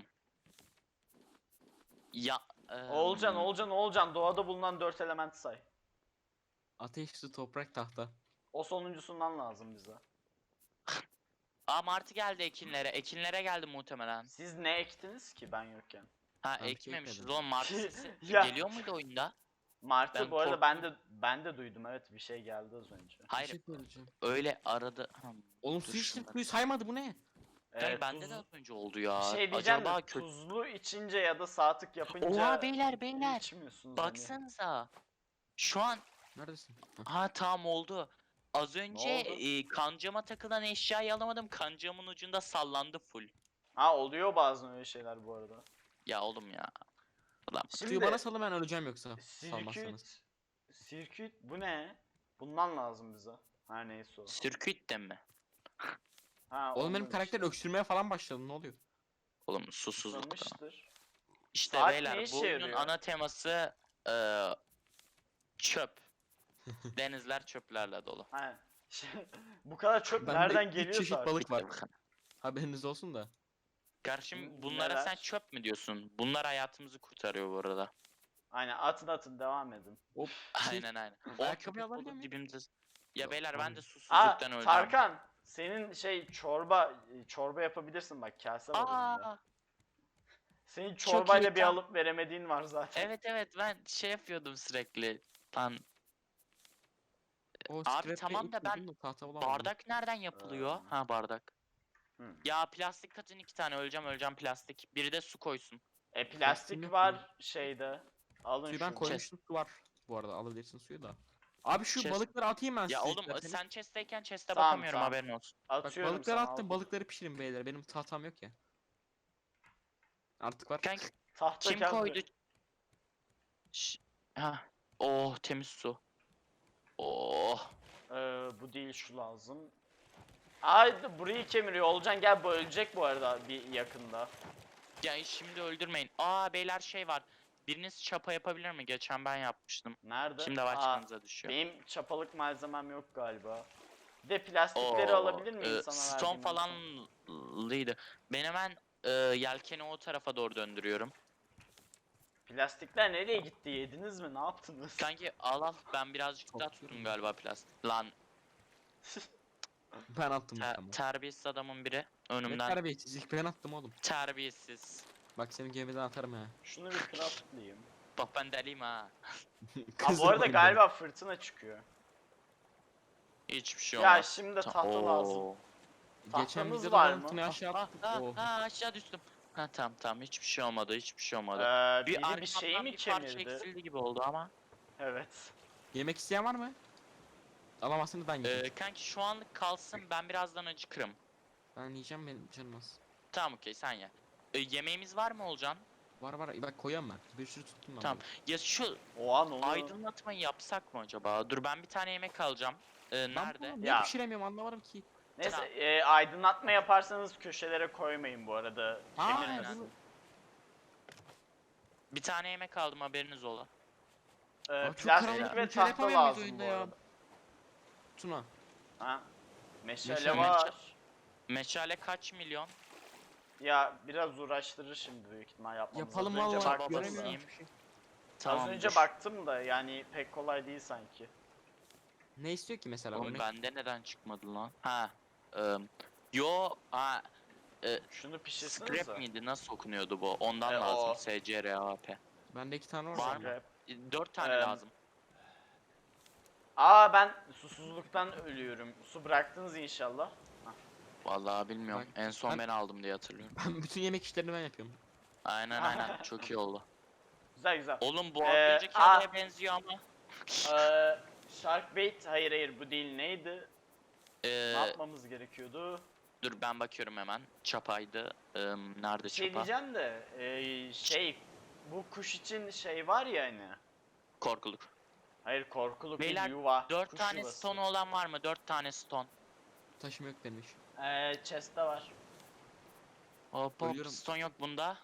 [SPEAKER 2] Ya...
[SPEAKER 1] Oğulcan doğada bulunan 4 elementi say.
[SPEAKER 3] Ateş, su, toprak, tahta.
[SPEAKER 1] O sonuncusundan lazım bize.
[SPEAKER 2] Martı geldi ekinlere. Ekinlere geldi muhtemelen.
[SPEAKER 1] Siz ne ektiniz ki ben yokken?
[SPEAKER 3] Ben bir şey
[SPEAKER 2] Ekmemişiz
[SPEAKER 3] ekmedim.
[SPEAKER 2] oğlum, Martı sesi
[SPEAKER 1] Ya.
[SPEAKER 2] geliyor muydu oyunda?
[SPEAKER 1] Martı
[SPEAKER 2] Ben
[SPEAKER 1] bu arada
[SPEAKER 2] korktum.
[SPEAKER 1] ben de duydum, evet, bir şey geldi az önce.
[SPEAKER 3] Bir
[SPEAKER 2] Hayır
[SPEAKER 3] şey söyleyeceğim.
[SPEAKER 2] öyle aradı.
[SPEAKER 3] Oğlum
[SPEAKER 2] dur
[SPEAKER 3] su içtim,
[SPEAKER 2] şunları.
[SPEAKER 3] suyu saymadı, bu ne?
[SPEAKER 2] Kanka bende de az önce oldu ya.
[SPEAKER 1] Bir şey diyeceğim
[SPEAKER 2] Acaba
[SPEAKER 1] de tuzlu içince ya da sağ tık yapınca
[SPEAKER 2] Oha beyler
[SPEAKER 1] içmiyorsunuz hani.
[SPEAKER 2] baksanıza. Şu an
[SPEAKER 3] Neredesin? Heh.
[SPEAKER 2] tamam oldu. Az önce
[SPEAKER 1] oldu?
[SPEAKER 2] kancama takılan eşyayı alamadım. Kancamın ucunda sallandı full.
[SPEAKER 1] Oluyor bazen öyle şeyler bu arada.
[SPEAKER 2] Ya oğlum ya. Ulan
[SPEAKER 3] Suyu bana salın, ben öleceğim yoksa. Salmazsanız.
[SPEAKER 1] Sirküt bu ne? Bundan lazım bize. Her neyse o.
[SPEAKER 2] sirküt de mi?
[SPEAKER 3] Oğlum benim
[SPEAKER 1] ondan
[SPEAKER 3] karakter öksürmeye falan başladı, ne oluyor?
[SPEAKER 2] Oğlum susuzluk da.
[SPEAKER 1] Susamıştır.
[SPEAKER 2] İşte
[SPEAKER 1] Saat ne
[SPEAKER 2] beyler
[SPEAKER 1] işe
[SPEAKER 2] bu oyunun
[SPEAKER 1] yarıyor?
[SPEAKER 2] ana teması çöp. Denizler çöplerle dolu.
[SPEAKER 1] Ha. Bu kadar çöp
[SPEAKER 3] Bende
[SPEAKER 1] nereden
[SPEAKER 3] 3
[SPEAKER 1] geliyorsa
[SPEAKER 3] çeşit
[SPEAKER 1] artık.
[SPEAKER 3] balık var.
[SPEAKER 2] Bitti bu kadar.
[SPEAKER 3] Haberiniz olsun da.
[SPEAKER 2] Karşım bunlara
[SPEAKER 1] Neler?
[SPEAKER 2] sen çöp mü diyorsun? Bunlar hayatımızı kurtarıyor bu arada.
[SPEAKER 1] Aynen atın devam edin.
[SPEAKER 3] Hop.
[SPEAKER 2] Aynen aynen. O
[SPEAKER 3] Ayakkabı
[SPEAKER 2] köpek
[SPEAKER 3] alabiliyor
[SPEAKER 2] balığı
[SPEAKER 3] muyum?
[SPEAKER 2] dibimde. Ya
[SPEAKER 3] Yok,
[SPEAKER 2] beyler ben de
[SPEAKER 3] alamıyorum.
[SPEAKER 2] susuzluktan öleceğim.
[SPEAKER 1] Tarkan senin çorba yapabilirsin bak, kase var önünde.
[SPEAKER 2] Aa,
[SPEAKER 1] Senin
[SPEAKER 2] çok iyi,
[SPEAKER 1] çorbayla bir
[SPEAKER 2] tam.
[SPEAKER 1] alıp veremediğin var zaten.
[SPEAKER 2] Evet evet ben şey yapıyordum sürekli. Lan
[SPEAKER 3] O
[SPEAKER 2] abi
[SPEAKER 3] scrap'e
[SPEAKER 2] tamam da ben
[SPEAKER 3] tahta bulamadım.
[SPEAKER 2] bardak nereden yapılıyor? Ha bardak.
[SPEAKER 1] Hı.
[SPEAKER 2] Ya plastik katın 2 tane öleceğim plastik. Biri de su koysun.
[SPEAKER 1] Plastik
[SPEAKER 3] Plastiğim yok
[SPEAKER 1] var şeyde. Alın
[SPEAKER 3] Suyu ben
[SPEAKER 1] şunu.
[SPEAKER 3] koymuştum, su var. Bu arada alabilirsin suyu da. Abi şu
[SPEAKER 2] Chest-
[SPEAKER 3] balıkları atayım ben
[SPEAKER 2] Ya
[SPEAKER 3] size
[SPEAKER 2] oğlum
[SPEAKER 3] isterseniz.
[SPEAKER 2] sen chest'teyken chest'e
[SPEAKER 1] Tamam,
[SPEAKER 2] bakamıyorum
[SPEAKER 1] tamam.
[SPEAKER 2] haberin olsun.
[SPEAKER 3] Bak
[SPEAKER 1] Atıyorum
[SPEAKER 3] balıkları
[SPEAKER 1] sana,
[SPEAKER 3] attım,
[SPEAKER 1] al.
[SPEAKER 3] balıkları pişirin beyler. Benim tahtam yok ya. Artık var.
[SPEAKER 2] Kanka
[SPEAKER 1] Tahta
[SPEAKER 2] kim
[SPEAKER 1] kağıt-
[SPEAKER 2] koydu? Ha. Oh temiz su. Oh.
[SPEAKER 1] Bu değil, şu lazım. Ay burayı kemiriyor. Olcan gel, bu ölecek bu arada bir yakında.
[SPEAKER 2] Ya şimdi öldürmeyin. Aa beyler şey var. Biriniz çapa yapabilir mi? Geçen ben yapmıştım.
[SPEAKER 1] Nerede?
[SPEAKER 2] Şimdi başkanıza düşüyor.
[SPEAKER 1] Benim çapalık malzemem yok galiba. Bir de plastikleri
[SPEAKER 2] Oo,
[SPEAKER 1] alabilir miyim sana
[SPEAKER 2] stone
[SPEAKER 1] verdiğim en son?
[SPEAKER 2] falanlıydı. Ben hemen yelkeni o tarafa doğru döndürüyorum.
[SPEAKER 1] Plastikler nereye gitti? Yediniz mi? Ne yaptınız?
[SPEAKER 2] Kanki al ben birazcık
[SPEAKER 3] Çok
[SPEAKER 2] daha
[SPEAKER 3] güzel.
[SPEAKER 2] tuttum galiba plastik. Lan
[SPEAKER 3] Ben attım tamam.
[SPEAKER 2] terbiyesiz adamın biri
[SPEAKER 3] Ne
[SPEAKER 2] önümden.
[SPEAKER 3] terbiyesizlik, ben attım oğlum.
[SPEAKER 2] Terbiyesiz.
[SPEAKER 3] Bak senin gemiden atarım ha.
[SPEAKER 1] Şunu bir craftlayayım.
[SPEAKER 2] Bak ben deliyim ha.
[SPEAKER 1] Bu arada galiba fırtına çıkıyor.
[SPEAKER 2] Hiçbir şey
[SPEAKER 1] Ya
[SPEAKER 2] olmaz.
[SPEAKER 1] şimdi tahta lazım.
[SPEAKER 3] Geçen
[SPEAKER 1] Tahtamız
[SPEAKER 3] videoda
[SPEAKER 1] var
[SPEAKER 3] var
[SPEAKER 1] mı?
[SPEAKER 3] mı? Aşağı attık. Oh.
[SPEAKER 2] Aşağı düştüm. Ha tamam hiçbir şey olmadı hiçbir şey olmadı.
[SPEAKER 1] Biri bir şeyi
[SPEAKER 2] arkamdan
[SPEAKER 1] mi
[SPEAKER 2] bir parça
[SPEAKER 1] kemirdi?
[SPEAKER 2] eksildi gibi oldu ama.
[SPEAKER 1] Evet.
[SPEAKER 3] Yemek isteyen var mı? Alamazsınız ben yiyeceğim.
[SPEAKER 2] Kanki şu anlık kalsın ben birazdan acıkırım.
[SPEAKER 3] Ben yiyeceğim, benim canım az.
[SPEAKER 2] Tamam okey sen ye. Yemeğimiz var mı Olcan?
[SPEAKER 3] Var bak koyuyorum ben. Bir sürü tuttum ben.
[SPEAKER 2] Tamam.
[SPEAKER 3] burada.
[SPEAKER 2] Ya şu
[SPEAKER 1] Oha, ne oluyor?
[SPEAKER 2] aydınlatmayı yapsak mı acaba? Dur ben bir tane yemek alacağım.
[SPEAKER 3] Ben
[SPEAKER 2] Nerede?
[SPEAKER 3] bunu niye
[SPEAKER 1] Ya.
[SPEAKER 3] pişiremiyorum anlamadım ki.
[SPEAKER 1] Neyse,
[SPEAKER 2] Tamam.
[SPEAKER 1] aydınlatma yaparsanız köşelere koymayın bu arada.
[SPEAKER 3] Aa,
[SPEAKER 1] Kemirmesin.
[SPEAKER 3] bunu-
[SPEAKER 2] Bir tane yemek aldım haberiniz ola.
[SPEAKER 3] çok
[SPEAKER 1] Plastik
[SPEAKER 3] karanlık,
[SPEAKER 1] ve
[SPEAKER 3] bir şey
[SPEAKER 1] tahta
[SPEAKER 3] yapamıyor muyuz
[SPEAKER 1] lazım bu
[SPEAKER 3] oyunda ya?
[SPEAKER 1] arada.
[SPEAKER 3] Tuna.
[SPEAKER 1] Ha? Meşale
[SPEAKER 3] Meşale.
[SPEAKER 1] var.
[SPEAKER 2] Meşale kaç milyon?
[SPEAKER 1] Ya biraz uğraştırır şimdi büyük ihtimal yapmamız.
[SPEAKER 3] Yapalım
[SPEAKER 1] Az önce
[SPEAKER 3] valla.
[SPEAKER 1] baktım
[SPEAKER 2] basayım.
[SPEAKER 1] da.
[SPEAKER 3] Göremiyorum bir şey.
[SPEAKER 1] Az önce
[SPEAKER 2] dur.
[SPEAKER 1] baktım da yani pek kolay değil sanki.
[SPEAKER 3] Ne istiyor ki mesela?
[SPEAKER 2] Oğlum
[SPEAKER 3] Örnek-
[SPEAKER 2] bende neden çıkmadı lan? Ha. Yo ha.
[SPEAKER 1] Şunu pişirsiniz
[SPEAKER 2] Scrap miydi? Nasıl okunuyordu bu? Ondan
[SPEAKER 1] o.
[SPEAKER 2] lazım. SCRAP.
[SPEAKER 3] Bende 2 tane var.
[SPEAKER 2] Var
[SPEAKER 3] mı?
[SPEAKER 2] mı? 4 tane
[SPEAKER 1] Eee,
[SPEAKER 2] lazım.
[SPEAKER 1] Ben susuzluktan ölüyorum. Su bıraktınız inşallah.
[SPEAKER 2] Vallahi bilmiyorum.
[SPEAKER 3] Bak,
[SPEAKER 2] En son
[SPEAKER 3] ben-
[SPEAKER 2] ben aldım diye hatırlıyorum.
[SPEAKER 3] Ben bütün yemek işlerini ben yapıyorum.
[SPEAKER 2] Aynen çok iyi oldu.
[SPEAKER 1] Güzel güzel.
[SPEAKER 2] Oğlum bu az
[SPEAKER 1] Ee,
[SPEAKER 2] önceki
[SPEAKER 1] aa.
[SPEAKER 2] adaya benziyor ama.
[SPEAKER 1] Sharkbait, hayır bu değil, neydi? Ne
[SPEAKER 2] Ee,
[SPEAKER 1] yapmamız gerekiyordu?
[SPEAKER 2] dur ben bakıyorum hemen. Çapaydı. Nerede
[SPEAKER 1] Bir şey
[SPEAKER 2] çapa?
[SPEAKER 1] diyeceğim de bu kuş için şey var ya hani.
[SPEAKER 2] Korkuluk.
[SPEAKER 1] Hayır, korkuluk bir
[SPEAKER 2] Beyler,
[SPEAKER 1] yuva.
[SPEAKER 2] 4
[SPEAKER 1] kuş
[SPEAKER 2] tane
[SPEAKER 1] yuvası.
[SPEAKER 2] stone olan var mı? 4 tane stone.
[SPEAKER 3] Taşım yok benim hiç.
[SPEAKER 1] Chest'te var.
[SPEAKER 2] Hop
[SPEAKER 3] Ölüyorum.
[SPEAKER 2] stone yok bunda.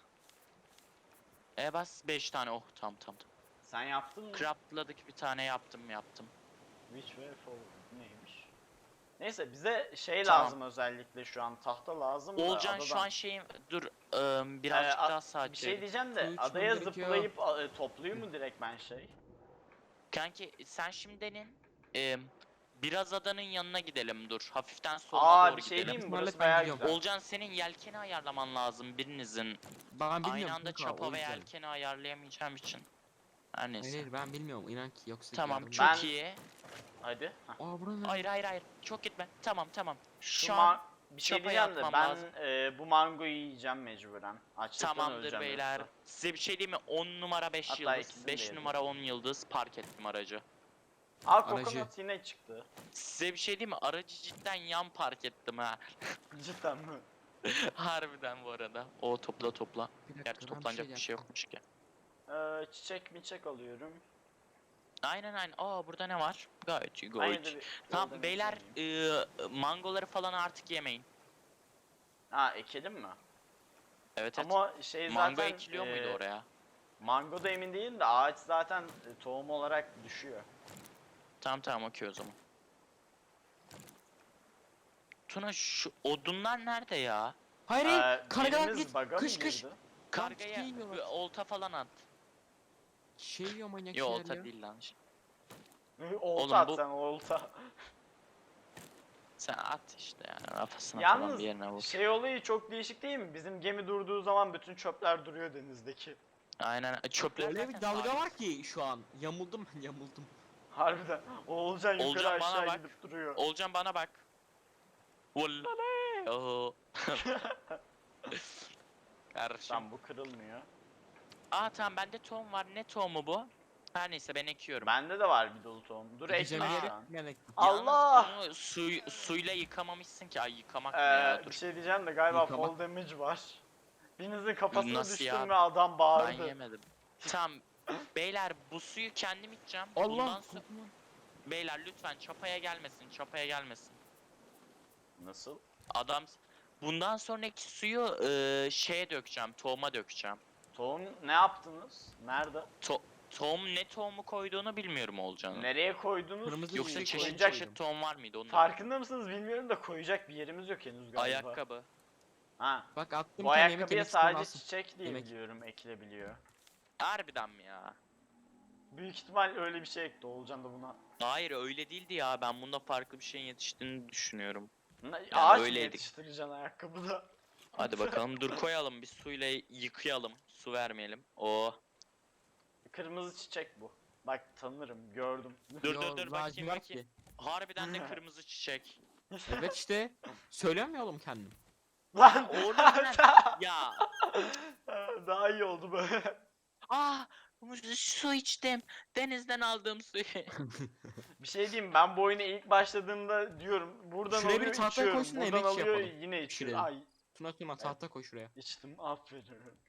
[SPEAKER 2] Bas 5 tane. Oh tamam.
[SPEAKER 1] Sen yaptın mı?
[SPEAKER 2] Craftladık bir tane yaptım.
[SPEAKER 1] Which way forward neymiş? Neyse, bize şey
[SPEAKER 2] Tamam.
[SPEAKER 1] lazım özellikle şu an, tahta lazım da
[SPEAKER 2] Olcan şu
[SPEAKER 1] adadan.
[SPEAKER 2] an şeyim dur birazcık
[SPEAKER 1] Ee,
[SPEAKER 2] daha saat
[SPEAKER 1] Bir şey diyeceğim de
[SPEAKER 3] Su içmem
[SPEAKER 1] adaya
[SPEAKER 3] gerekiyor.
[SPEAKER 1] zıplayıp topluyor mu direkt ben şey?
[SPEAKER 2] Kanki sen şimdinin biraz adanın yanına gidelim dur. Hafiften soluna doğru
[SPEAKER 1] Bir şey
[SPEAKER 2] gidelim.
[SPEAKER 1] diyeyim mi?
[SPEAKER 3] Ihtimalle
[SPEAKER 1] Burası
[SPEAKER 3] ben
[SPEAKER 1] bayağı
[SPEAKER 3] gidiyorum.
[SPEAKER 1] güzel.
[SPEAKER 2] Olcan senin yelkeni ayarlaman lazım birinizin.
[SPEAKER 3] Ben bilmiyorum.
[SPEAKER 2] Aynı anda
[SPEAKER 3] kanka,
[SPEAKER 2] çapa
[SPEAKER 3] o
[SPEAKER 2] ve
[SPEAKER 3] yüzden.
[SPEAKER 2] yelkeni ayarlayamayacağım için. Her neyse.
[SPEAKER 3] Hayır ben bilmiyorum, inan ki yoksa
[SPEAKER 2] Tamam
[SPEAKER 3] yardım-
[SPEAKER 2] çok
[SPEAKER 1] Ben-
[SPEAKER 2] iyi.
[SPEAKER 1] Hadi. Hah.
[SPEAKER 3] Aa burası ne?
[SPEAKER 2] Hayır çok gitme. Tamam.
[SPEAKER 1] Şu
[SPEAKER 2] Şu an
[SPEAKER 1] bir şey
[SPEAKER 2] çapa
[SPEAKER 1] diyeceğim de
[SPEAKER 2] yapmam
[SPEAKER 1] ben
[SPEAKER 2] lazım.
[SPEAKER 1] bu mangoyu yiyeceğim mecburen. Açlıktan
[SPEAKER 2] tamamdır
[SPEAKER 1] öleceğim
[SPEAKER 2] beyler.
[SPEAKER 1] yoksa.
[SPEAKER 2] Size bir şey diyeyim mi? 10 numara 5
[SPEAKER 1] Hatta
[SPEAKER 2] yıldız.
[SPEAKER 1] ikisini de
[SPEAKER 2] 5
[SPEAKER 1] yedim.
[SPEAKER 2] numara 10 yıldız park ettim aracı.
[SPEAKER 3] Aracı.
[SPEAKER 1] Coconut yine çıktı.
[SPEAKER 2] Size bir şey diyeyim mi? Aracı cidden yan park ettim ha.
[SPEAKER 1] Cidden mi?
[SPEAKER 2] Harbiden bu arada. O topla.
[SPEAKER 3] Bir dakika,
[SPEAKER 2] Gerçi
[SPEAKER 3] ben
[SPEAKER 2] toplanacak bir şey
[SPEAKER 3] yapacağım.
[SPEAKER 2] yokmuş ki.
[SPEAKER 1] Çiçek alıyorum.
[SPEAKER 2] Aynen. Aa burada ne var? Gayet iyi
[SPEAKER 1] Aynı da
[SPEAKER 2] gayet.
[SPEAKER 1] bir
[SPEAKER 2] Tamam
[SPEAKER 1] yoldan
[SPEAKER 2] beyler
[SPEAKER 1] ekleyeyim.
[SPEAKER 2] mangoları falan artık yemeyin.
[SPEAKER 1] Ekelim mi?
[SPEAKER 2] Evet.
[SPEAKER 1] Ama şey
[SPEAKER 2] Mango
[SPEAKER 1] zaten
[SPEAKER 2] ekiliyor muydu oraya?
[SPEAKER 1] mango da emin değilim de ağaç zaten tohum olarak düşüyor.
[SPEAKER 2] Tamam okey o zaman. Tuna şu odunlar nerede ya?
[SPEAKER 3] Hayır hayır. Kargalar
[SPEAKER 1] birimiz
[SPEAKER 3] git.
[SPEAKER 1] bug'a mı
[SPEAKER 3] Kış kış.
[SPEAKER 1] girdi?
[SPEAKER 2] Kargaya
[SPEAKER 3] yiyorlar.
[SPEAKER 2] olta falan at.
[SPEAKER 3] Şey yiyor manyak
[SPEAKER 2] Yo
[SPEAKER 3] şeyler
[SPEAKER 2] olta
[SPEAKER 3] ya.
[SPEAKER 2] değil lan.
[SPEAKER 1] Olta
[SPEAKER 2] Oğlum
[SPEAKER 1] at
[SPEAKER 2] bu-
[SPEAKER 1] sen olta.
[SPEAKER 2] Sen at işte yani kafasına falan
[SPEAKER 1] Yalnız
[SPEAKER 2] bir yerine vur.
[SPEAKER 1] şey olayı çok değişik değil mi? Bizim gemi durduğu zaman bütün çöpler duruyor denizdeki.
[SPEAKER 2] Aynen çöpler
[SPEAKER 3] Öyle
[SPEAKER 2] zaten
[SPEAKER 3] bir dalga
[SPEAKER 2] sabit.
[SPEAKER 3] var ki şu an. Yamuldum ben yamuldum.
[SPEAKER 1] Harbiden. Oğulcan yukarı
[SPEAKER 2] Olcan bana
[SPEAKER 1] aşağı
[SPEAKER 2] bak.
[SPEAKER 1] gidip duruyor.
[SPEAKER 2] Olcan bana bak. Vallahi. Oho. Kardeşim.
[SPEAKER 1] Tamam bu kırılmıyor.
[SPEAKER 2] Aa tamam bende tohum var. Ne tohumu bu? Her neyse ben ekiyorum.
[SPEAKER 1] Bende de var bir dolu tohum. Dur
[SPEAKER 3] Gideceğim
[SPEAKER 1] ekme
[SPEAKER 3] yere
[SPEAKER 1] şu an.
[SPEAKER 3] melek.
[SPEAKER 1] Allah!
[SPEAKER 2] Yalnız bunu suyla yıkamamışsın ki. Ay yıkamak ne ya
[SPEAKER 1] Bir
[SPEAKER 2] dur.
[SPEAKER 1] şey diyeceğim de galiba
[SPEAKER 3] Yıkama.
[SPEAKER 1] fall damage var. Birinizin kafasına
[SPEAKER 2] Nasıl
[SPEAKER 1] düştüm
[SPEAKER 2] ya?
[SPEAKER 1] ve adam
[SPEAKER 2] Ben
[SPEAKER 1] bağırdı.
[SPEAKER 2] yemedim. Tamam. Beyler bu suyu kendim içeceğim.
[SPEAKER 3] Allah.
[SPEAKER 2] Bundan sonra... Beyler lütfen çapaya gelmesin. Çapaya gelmesin.
[SPEAKER 1] Nasıl?
[SPEAKER 2] Adam... Bundan sonraki suyu şeye dökeceğim. Tohuma dökeceğim.
[SPEAKER 1] Tohum ne yaptınız? Nerede?
[SPEAKER 2] Tohum ne tohumu koyduğunu bilmiyorum olacağını.
[SPEAKER 1] Nereye koydunuz?
[SPEAKER 3] Kırmızı
[SPEAKER 2] Yoksa
[SPEAKER 3] şey
[SPEAKER 2] çeşit
[SPEAKER 3] koyacak-
[SPEAKER 2] çeşit tohum var mıydı? Onu da
[SPEAKER 1] Farkında mısınız bilmiyorum da koyacak bir yerimiz yok henüz galiba.
[SPEAKER 2] Ayakkabı.
[SPEAKER 1] Ha.
[SPEAKER 3] Bak attım
[SPEAKER 1] Bu
[SPEAKER 3] bir tane yemek
[SPEAKER 1] ayakkabıya
[SPEAKER 3] yemek
[SPEAKER 1] sadece
[SPEAKER 3] alsın.
[SPEAKER 1] çiçek diye
[SPEAKER 3] Yemek.
[SPEAKER 1] biliyorum ekilebiliyor.
[SPEAKER 2] Harbiden mi ya?
[SPEAKER 1] Büyük ihtimal öyle bir şey ekti Oğulcan da buna.
[SPEAKER 2] Hayır öyle değildi ya. Ben bunda farklı bir şeyin yetiştiğini düşünüyorum.
[SPEAKER 1] Ağaç mı
[SPEAKER 2] öyleydik.
[SPEAKER 1] yetiştireceksin ayakkabıda?
[SPEAKER 2] Hadi bakalım dur koyalım bir suyla yıkayalım. Su vermeyelim. Oo.
[SPEAKER 1] Kırmızı çiçek bu. Bak tanırım, gördüm.
[SPEAKER 2] Dur
[SPEAKER 3] Yo,
[SPEAKER 2] dur dur bakayım
[SPEAKER 3] lacivert
[SPEAKER 2] bakayım.
[SPEAKER 3] ki.
[SPEAKER 2] Harbiden de kırmızı çiçek.
[SPEAKER 3] Evet işte. Söylemiyor ya oğlum kendim.
[SPEAKER 1] Lan!
[SPEAKER 2] Oğlum ya.
[SPEAKER 1] Daha iyi oldu böyle.
[SPEAKER 2] Ah su içtim. Denizden aldığım suyu.
[SPEAKER 1] Bir şey diyeyim ben bu oyuna ilk başladığımda diyorum buradan
[SPEAKER 3] Şuraya bir
[SPEAKER 1] alıyor
[SPEAKER 3] tahtaya
[SPEAKER 1] içiyorum,
[SPEAKER 3] koysun da
[SPEAKER 1] buradan
[SPEAKER 3] yemek
[SPEAKER 1] alıyor
[SPEAKER 3] yapalım.
[SPEAKER 1] yine içiyorum.
[SPEAKER 3] Pişirelim.
[SPEAKER 1] Ay
[SPEAKER 3] Tuna tahta koy şuraya.
[SPEAKER 1] içtim aferin.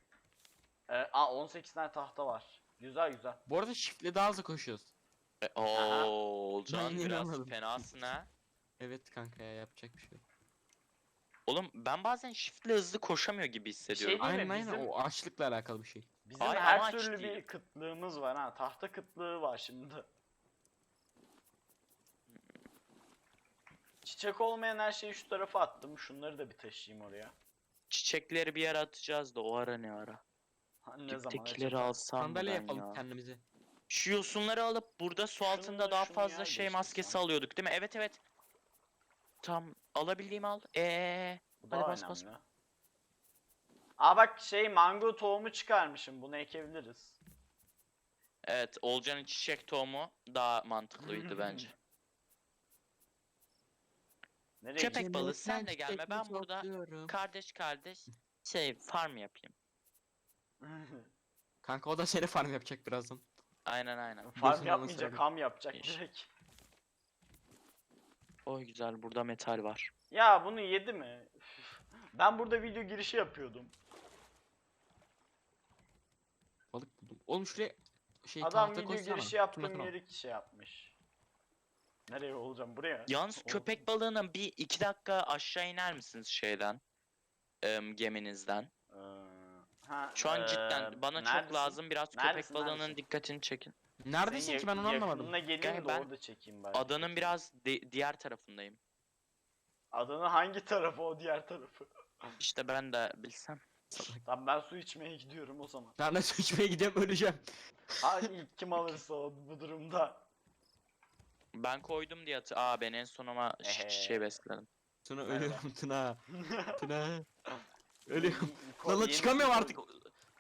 [SPEAKER 1] 18 tane tahta var. Güzel güzel.
[SPEAKER 3] Bu arada shift'le daha hızlı koşuyoruz.
[SPEAKER 2] Oo Olcan
[SPEAKER 3] Ben
[SPEAKER 2] biraz
[SPEAKER 3] inanmadım.
[SPEAKER 2] fenasın ha.
[SPEAKER 3] Evet kanka ya yapacak bir şey yok.
[SPEAKER 2] Oğlum ben bazen shift'le hızlı koşamıyor gibi hissediyorum.
[SPEAKER 1] Değil mi?
[SPEAKER 3] Aynen
[SPEAKER 1] Bizim-
[SPEAKER 3] o açlıkla alakalı bir şey.
[SPEAKER 1] Bizim
[SPEAKER 2] Ay,
[SPEAKER 1] her
[SPEAKER 2] amaç
[SPEAKER 1] türlü
[SPEAKER 2] değil.
[SPEAKER 1] bir kıtlığımız var ha. Tahta kıtlığı var şimdi. Çiçek olmayan her şeyi şu tarafa attım. Şunları da bir taşıyayım oraya.
[SPEAKER 2] Çiçekleri bir yere atacağız da o ara ne ara.
[SPEAKER 1] Ne zaman
[SPEAKER 2] Diptekileri
[SPEAKER 1] acaba?
[SPEAKER 2] alsam mı
[SPEAKER 3] Sandalye
[SPEAKER 2] ben
[SPEAKER 3] yapalım
[SPEAKER 2] ya?
[SPEAKER 3] kendimize.
[SPEAKER 2] Şu yosunları alıp burada su altında
[SPEAKER 1] Şunu-
[SPEAKER 2] daha
[SPEAKER 1] şunu
[SPEAKER 2] fazla
[SPEAKER 1] yer
[SPEAKER 2] şey
[SPEAKER 1] değiştirsem.
[SPEAKER 2] maskesi alıyorduk değil mi? Evet evet. Tam alabildiğimi al.
[SPEAKER 1] Bu
[SPEAKER 2] Hadi
[SPEAKER 1] daha
[SPEAKER 2] bas, bas.
[SPEAKER 1] önemli. Aa bak şey mango tohumu çıkarmışım. Bunu ekebiliriz.
[SPEAKER 2] Evet Olcan'ın çiçek tohumu daha mantıklıydı bence.
[SPEAKER 1] Nereye
[SPEAKER 2] Köpek
[SPEAKER 1] gideceğim?
[SPEAKER 2] balığı sen de gelme ben burada kardeş kardeş şey farm yapayım.
[SPEAKER 3] Kanka o da seni farm yapacak birazdan.
[SPEAKER 2] Aynen aynen.
[SPEAKER 1] Farm
[SPEAKER 3] Gözünün
[SPEAKER 1] yapmayacak,
[SPEAKER 3] anasını
[SPEAKER 1] ham yapacak
[SPEAKER 2] İş.
[SPEAKER 1] direkt.
[SPEAKER 2] Oy güzel burada metal var.
[SPEAKER 1] Ya bunu yedi mi? Üf. Ben burada video girişi yapıyordum.
[SPEAKER 3] Balık buldum. Oğlum şuraya şey
[SPEAKER 1] Adam
[SPEAKER 3] tahta
[SPEAKER 1] video
[SPEAKER 3] koysana.
[SPEAKER 1] girişi
[SPEAKER 3] Tuna
[SPEAKER 1] yaptığım
[SPEAKER 3] Tuna.
[SPEAKER 1] yeri şey yapmış. Nereye olacağım? Buraya.
[SPEAKER 2] Yalnız
[SPEAKER 1] O-
[SPEAKER 2] köpek balığının bir 2 dakika aşağı iner misiniz şeyden? Geminizden.
[SPEAKER 1] Ee, ha,
[SPEAKER 2] Şu an cidden bana çok
[SPEAKER 1] neredesin?
[SPEAKER 2] lazım biraz
[SPEAKER 1] Neredesin,
[SPEAKER 2] köpek balığının
[SPEAKER 1] neredesin?
[SPEAKER 2] dikkatini çekin.
[SPEAKER 3] Neredesin
[SPEAKER 1] Senin
[SPEAKER 3] ki ben onu anlamadım.
[SPEAKER 1] Yakınına geleyim
[SPEAKER 2] Gel,
[SPEAKER 1] de
[SPEAKER 2] ben
[SPEAKER 1] orada çekeyim bari.
[SPEAKER 2] Adanın biraz diğer tarafındayım.
[SPEAKER 1] Adanın hangi tarafı o diğer tarafı?
[SPEAKER 2] İşte ben de bilsem.
[SPEAKER 1] Tamam ben su içmeye gidiyorum o zaman.
[SPEAKER 3] Ben de su içmeye gidiyorum öleceğim.
[SPEAKER 1] Ha ilk kim alırsa o bu durumda.
[SPEAKER 2] Ben koydum diye Aa ben en son ama şey besledim.
[SPEAKER 3] Tuna
[SPEAKER 1] Merhaba.
[SPEAKER 3] ölüyorum Tuna. Tuna. Ölüyorum.
[SPEAKER 1] Ko-
[SPEAKER 3] Lan
[SPEAKER 1] yeni
[SPEAKER 3] çıkamıyorum
[SPEAKER 1] su
[SPEAKER 3] artık.
[SPEAKER 1] koydum.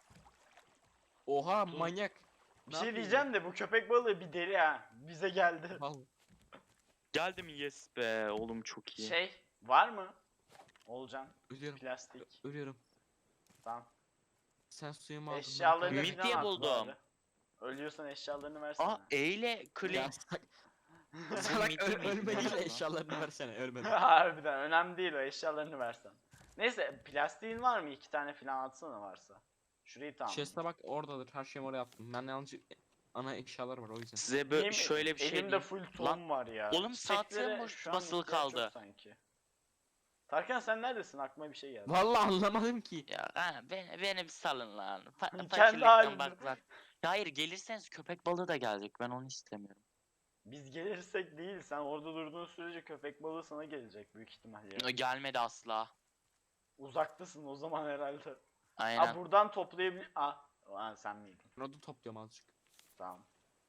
[SPEAKER 3] Oha manyak.
[SPEAKER 1] Bir
[SPEAKER 3] Ne
[SPEAKER 1] şey
[SPEAKER 3] yapayım
[SPEAKER 1] diyeceğim de bu köpek balığı bir deli ha. Bize geldi.
[SPEAKER 3] Vallahi.
[SPEAKER 2] Geldim yes be oğlum çok iyi.
[SPEAKER 1] Şey var mı? Olcan
[SPEAKER 3] Ölüyorum.
[SPEAKER 1] plastik.
[SPEAKER 3] Ölüyorum.
[SPEAKER 1] Tamam.
[SPEAKER 3] Sen suyumu aldın. ben
[SPEAKER 1] Eşyalarını
[SPEAKER 3] kaybettim.
[SPEAKER 2] Midye
[SPEAKER 1] falan at
[SPEAKER 2] buldum.
[SPEAKER 1] bari. Ölüyorsan eşyalarını versene.
[SPEAKER 2] Aa eyle clay.
[SPEAKER 3] Ya salak
[SPEAKER 2] midye mi
[SPEAKER 3] ölme değil
[SPEAKER 2] ihtiyacın
[SPEAKER 3] de
[SPEAKER 2] var?
[SPEAKER 3] eşyalarını versene ölmedi.
[SPEAKER 1] Harbiden önemli değil o eşyalarını versen. Neyse plastiğin var mı? 2 tane falan atsana varsa. Şurayı tamam.
[SPEAKER 3] Chest'e bak oradadır her şeyimi oraya attım. Ben yalnız ana eşyalar var o yüzden.
[SPEAKER 2] Size böyle şöyle bir şey
[SPEAKER 1] Elimde
[SPEAKER 2] diyeyim.
[SPEAKER 1] full tohum var ya.
[SPEAKER 2] Oğlum saat
[SPEAKER 1] Çiçeklere
[SPEAKER 2] boş
[SPEAKER 1] şu an
[SPEAKER 2] basılı
[SPEAKER 1] ihtiyaç yok
[SPEAKER 2] kaldı.
[SPEAKER 1] Sanki. Tarkan sen neredesin? Aklıma bir şey geldi.
[SPEAKER 3] Vallahi anlamadım ki.
[SPEAKER 2] Ya beni bir salın lan.
[SPEAKER 1] Kendi
[SPEAKER 2] Fakirlikten
[SPEAKER 1] halinde.
[SPEAKER 2] baklar. Ya hayır gelirseniz köpek balığı da gelecek. Ben onu istemiyorum.
[SPEAKER 1] Biz gelirsek değil. Sen orada durduğun sürece köpek balığı sana gelecek büyük ihtimalle.
[SPEAKER 2] Gelmedi asla.
[SPEAKER 1] Uzaktasın o zaman herhalde.
[SPEAKER 2] Aynen.
[SPEAKER 1] Aa buradan toplayabilir... Aa sen miydin?
[SPEAKER 3] Ben orada topluyorum azıcık.
[SPEAKER 1] Tamam.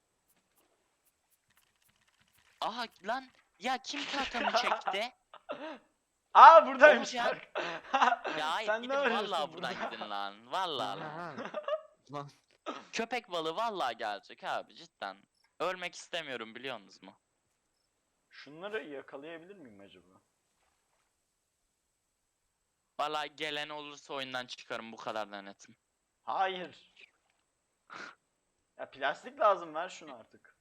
[SPEAKER 2] Aha lan ya kim tahtamı çekti?
[SPEAKER 1] Aa buradaymış.
[SPEAKER 2] Olacak. Ya hayır
[SPEAKER 1] Sen ne
[SPEAKER 2] gidin
[SPEAKER 1] arıyorsun
[SPEAKER 2] vallahi buradan
[SPEAKER 1] burada?
[SPEAKER 2] gidin lan. Vallahi lan.
[SPEAKER 3] Lan. Lan.
[SPEAKER 2] Köpek balığı vallahi gelecek abi cidden. Ölmek istemiyorum biliyor musunuz mu?
[SPEAKER 1] Şunları yakalayabilir miyim acaba?
[SPEAKER 2] Vallahi gelen olursa oyundan çıkarım bu kadar da netim.
[SPEAKER 1] Hayır. Ya plastik lazım, ver şunu artık.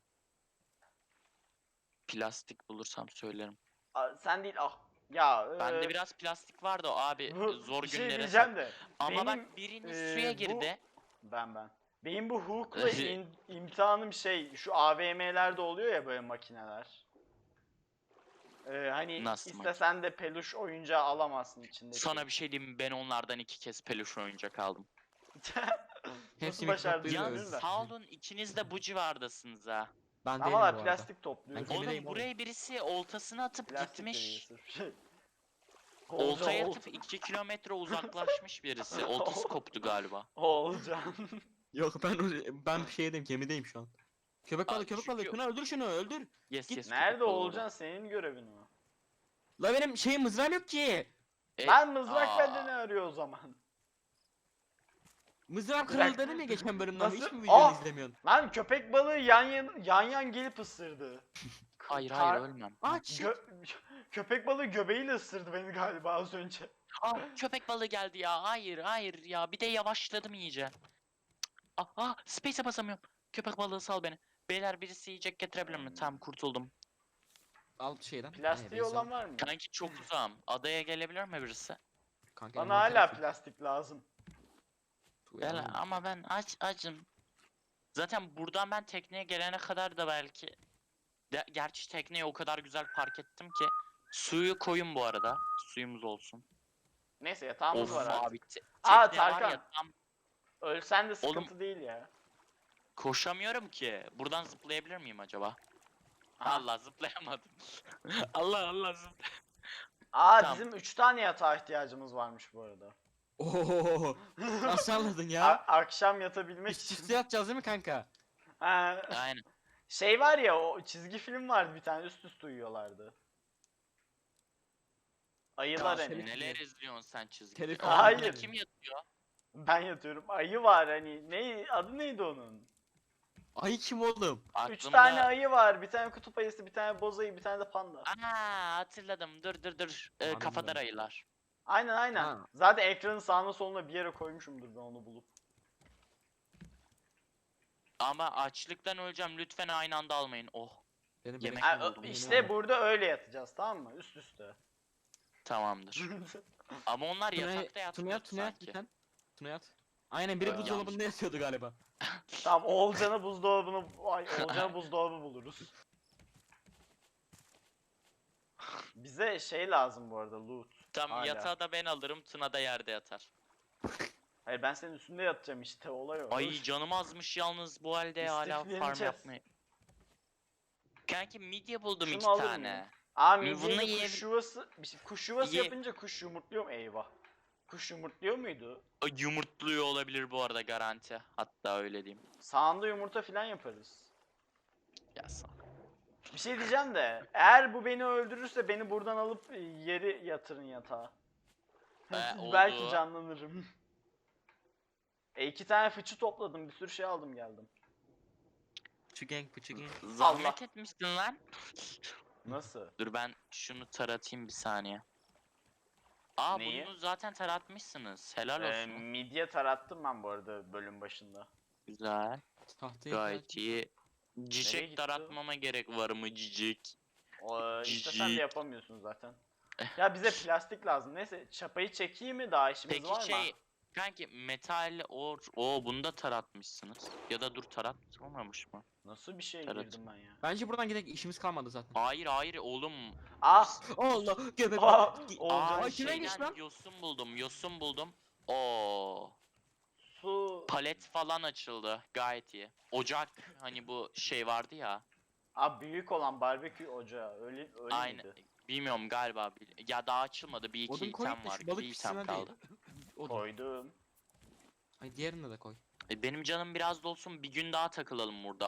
[SPEAKER 2] Plastik bulursam söylerim.
[SPEAKER 1] Sen değil ah. Ya
[SPEAKER 2] Bende biraz plastik vardı o abi zor
[SPEAKER 1] bir şey
[SPEAKER 2] günlere
[SPEAKER 1] diyeceğim de.
[SPEAKER 2] Ama
[SPEAKER 1] benim,
[SPEAKER 2] bak biriniz suya
[SPEAKER 1] bu-
[SPEAKER 2] girdi.
[SPEAKER 1] Ben. Benim bu hook'la imtihanım şey, şu AVM'lerde oluyor ya böyle makineler. Hani
[SPEAKER 2] Nasıl
[SPEAKER 1] istesen de peluş oyuncağı alamazsın içinde.
[SPEAKER 2] Sana bir şey diyeyim mi? Ben onlardan 2 kez peluş oyuncak aldım.
[SPEAKER 1] Nasıl
[SPEAKER 3] Hepsini
[SPEAKER 1] başardın
[SPEAKER 3] topluyor
[SPEAKER 2] Yalnız
[SPEAKER 1] bilmiyorum da.
[SPEAKER 2] sağ olun ikiniz de bu civardasınız ha.
[SPEAKER 3] Ben değilim
[SPEAKER 1] Ama
[SPEAKER 3] bu
[SPEAKER 1] la
[SPEAKER 3] arada.
[SPEAKER 1] plastik topluyoruz.
[SPEAKER 3] Ben Gemideyim
[SPEAKER 2] Oğlum
[SPEAKER 3] oğlum.
[SPEAKER 2] buraya birisi oltasını atıp
[SPEAKER 1] Plastik
[SPEAKER 2] gitmiş.
[SPEAKER 1] dediği sırf.
[SPEAKER 2] Oltaya
[SPEAKER 1] Ol-
[SPEAKER 2] atıp 2 kilometre uzaklaşmış birisi. Oltası koptu galiba.
[SPEAKER 1] Olcan.
[SPEAKER 3] Yok ben şeydeyim gemideyim şu an. Köpek balığı köpek balığı.
[SPEAKER 2] çünkü-
[SPEAKER 3] Şunu öldür şunu öldür.
[SPEAKER 2] Yes
[SPEAKER 3] Git.
[SPEAKER 2] yes.
[SPEAKER 1] Nerede
[SPEAKER 2] köpek balığı
[SPEAKER 1] Olcan,
[SPEAKER 2] orada.
[SPEAKER 1] senin görevin o.
[SPEAKER 3] La benim şeyim mızrağım yok ki.
[SPEAKER 1] Ben mızrak
[SPEAKER 2] aa.
[SPEAKER 1] bende ne arıyor o zaman?
[SPEAKER 3] Mızrağım
[SPEAKER 1] Bir dakika.
[SPEAKER 3] kırıldı dedin ya geçen bölümden.
[SPEAKER 1] Nasıl?
[SPEAKER 3] Hiç mi videoyu
[SPEAKER 1] Aa!
[SPEAKER 3] izlemiyorsun?
[SPEAKER 1] Lan köpek balığı yan gelip ısırdı.
[SPEAKER 2] Hayır
[SPEAKER 1] Kar-
[SPEAKER 2] hayır ölmem.
[SPEAKER 3] Aç.
[SPEAKER 1] Köpek balığı göbeğiyle ısırdı beni galiba az önce.
[SPEAKER 2] Aa köpek balığı geldi ya. Hayır hayır ya. Bir de yavaşladım iyice. Space'e basamıyorum. Köpek balığı sal beni. Beyler birisi yiyecek getirebilir mi? Tamam kurtuldum.
[SPEAKER 3] Al şeyden.
[SPEAKER 1] Plastiği olan var mı?
[SPEAKER 2] Kanki çok uzağım. Adaya gelebilir mi birisi?
[SPEAKER 3] Kanka,
[SPEAKER 1] Bana hala plastik lazım.
[SPEAKER 2] Gel ama ben acım. Zaten buradan ben tekneye gelene kadar da belki. Gerçi tekneyi o kadar güzel park ettim ki. Suyu koyun bu arada. Suyumuz olsun.
[SPEAKER 1] Neyse yatağımız
[SPEAKER 2] Of
[SPEAKER 1] var artık.
[SPEAKER 2] abi.
[SPEAKER 1] Aa,
[SPEAKER 2] Tekne var
[SPEAKER 1] Tarkan.
[SPEAKER 2] ya tam
[SPEAKER 1] Ölsen de sıkıntı değil ya.
[SPEAKER 2] koşamıyorum ki. Buradan zıplayabilir miyim acaba?
[SPEAKER 1] Aha.
[SPEAKER 2] Allah zıplayamadım. Allah zıplayamadım. Tamam.
[SPEAKER 1] Bizim 3 tane yatağa ihtiyacımız varmış bu arada.
[SPEAKER 3] Ooo. Nasıl anladın ya?
[SPEAKER 1] Akşam yatabilmek
[SPEAKER 3] Üst
[SPEAKER 1] için.
[SPEAKER 3] üste yatacağız değil mi kanka?
[SPEAKER 1] Ha,
[SPEAKER 2] Aynen.
[SPEAKER 1] şey var ya, o çizgi film vardı bir tane, üst üste uyuyorlardı. Ayılar
[SPEAKER 3] Ya,
[SPEAKER 1] hani.
[SPEAKER 2] Neler izliyorsun sen çizgi?
[SPEAKER 3] Telif
[SPEAKER 2] film?
[SPEAKER 1] Hayır.
[SPEAKER 2] Orada kim yatıyor?
[SPEAKER 1] Ben yatıyorum. Ayı var hani. Adı neydi onun?
[SPEAKER 3] Ay kim oğlum?
[SPEAKER 1] 3 tane ayı var. Bir tane kutup ayısı, bir tane boz ayı, bir tane de panda.
[SPEAKER 2] Hatırladım. Dur.
[SPEAKER 3] Anladım.
[SPEAKER 2] Kafadar ayılar.
[SPEAKER 1] Aynen.
[SPEAKER 3] Ha.
[SPEAKER 1] Zaten ekranın sağına soluna bir yere koymuşumdur ben onu bulup.
[SPEAKER 2] Ama açlıktan öleceğim. Lütfen aynı anda almayın. Oh.
[SPEAKER 3] Benim
[SPEAKER 2] Yemek
[SPEAKER 3] beleşim
[SPEAKER 2] mi
[SPEAKER 3] oldu,
[SPEAKER 2] buldum?
[SPEAKER 3] yemin
[SPEAKER 1] İşte
[SPEAKER 3] ederim.
[SPEAKER 1] burada öyle yatacağız, tamam mı? Üst üste.
[SPEAKER 2] Tamamdır. Ama onlar yatakta
[SPEAKER 3] Tuna
[SPEAKER 2] yatmıyor
[SPEAKER 3] yat
[SPEAKER 2] sanki.
[SPEAKER 3] lütfen. Tuna yat. Aynen biri
[SPEAKER 2] Evet.
[SPEAKER 3] buzdolabında yatıyordu galiba.
[SPEAKER 1] Tamam, Oğulcan'a buzdolabı buluruz. Bize şey lazım bu arada, loot.
[SPEAKER 2] Tamam
[SPEAKER 1] Hala.
[SPEAKER 2] yatağı da ben alırım. Tuna da yerde yatar.
[SPEAKER 1] Hayır, ben senin üstünde yatacağım işte, olay o.
[SPEAKER 2] Ay canım azmış yalnız bu halde hala farm
[SPEAKER 1] İstifleneceğiz.
[SPEAKER 2] yapmayı. Kanki midye buldum
[SPEAKER 1] Şunu
[SPEAKER 2] 2
[SPEAKER 1] alır
[SPEAKER 2] tane.
[SPEAKER 1] mıyım? Aa,
[SPEAKER 2] Bunu
[SPEAKER 1] midyeyle
[SPEAKER 2] yiyebil-
[SPEAKER 1] kuş yuvası, kuş yuvası
[SPEAKER 2] Ye-
[SPEAKER 1] yapınca kuş yumurtluyor mu? Eyvah. Kuş yumurtluyor muydu?
[SPEAKER 2] Ay, yumurtluyor olabilir bu arada garanti. Hatta öyle diyeyim.
[SPEAKER 1] Sağında yumurta falan yaparız.
[SPEAKER 2] Ya sağ ol.
[SPEAKER 1] Bir şey diyeceğim de, eğer bu beni öldürürse beni buradan alıp yeri yatırın yatağa. Belki
[SPEAKER 2] oldu.
[SPEAKER 1] canlanırım. 2 tane fıçı topladım, bir sürü şey aldım geldim.
[SPEAKER 3] Pıçı gang.
[SPEAKER 2] Zahmet etmişsin lan.
[SPEAKER 1] Nasıl?
[SPEAKER 2] Dur ben şunu taratayım bir saniye.
[SPEAKER 1] Neyi?
[SPEAKER 2] Bunu zaten taratmışsınız. Helal olsun.
[SPEAKER 1] Midye tarattım ben bu arada bölüm başında.
[SPEAKER 2] Güzel.
[SPEAKER 3] Tahtaya
[SPEAKER 2] Gayet iyi.
[SPEAKER 1] Nereye
[SPEAKER 2] Cicek
[SPEAKER 1] gitti
[SPEAKER 2] taratmama gerek var mı cicek?
[SPEAKER 1] İstesen de
[SPEAKER 2] Cici.
[SPEAKER 1] yapamıyorsun zaten. Ya bize plastik lazım. Neyse, çapayı çekeyim mi, daha işimiz
[SPEAKER 2] Peki
[SPEAKER 1] var mı?
[SPEAKER 2] şey kanki metal bunu da taratmışsınız. Ya da dur taratmamış mı?
[SPEAKER 1] Nasıl bir şey
[SPEAKER 2] Evet.
[SPEAKER 1] girdim ben ya?
[SPEAKER 3] Bence buradan gidelim işimiz kalmadı zaten.
[SPEAKER 2] Hayır oğlum.
[SPEAKER 1] Ah!
[SPEAKER 3] Allah göbek.
[SPEAKER 1] Aa,
[SPEAKER 3] Gi-
[SPEAKER 1] Olcan.
[SPEAKER 3] Ay, kime gitmiş
[SPEAKER 2] Şeyden
[SPEAKER 3] lan?
[SPEAKER 2] yosun buldum. Oo.
[SPEAKER 1] Su.
[SPEAKER 2] Palet falan açıldı. Gayet iyi. Ocak hani bu şey vardı ya.
[SPEAKER 1] Büyük olan barbekü ocağı. Öyle
[SPEAKER 2] Aynı.
[SPEAKER 1] miydi?
[SPEAKER 2] Bilmiyorum galiba. Ya daha açılmadı. Bir iki
[SPEAKER 3] Odun koy
[SPEAKER 2] item
[SPEAKER 3] da
[SPEAKER 2] var.
[SPEAKER 3] şu balık
[SPEAKER 2] Bir
[SPEAKER 3] pişsine
[SPEAKER 2] item
[SPEAKER 3] değil.
[SPEAKER 2] kaldı.
[SPEAKER 3] Odun.
[SPEAKER 1] Koydum.
[SPEAKER 3] Ay diğerini de koy.
[SPEAKER 2] Benim canım biraz da olsun, bir gün daha takılalım burada.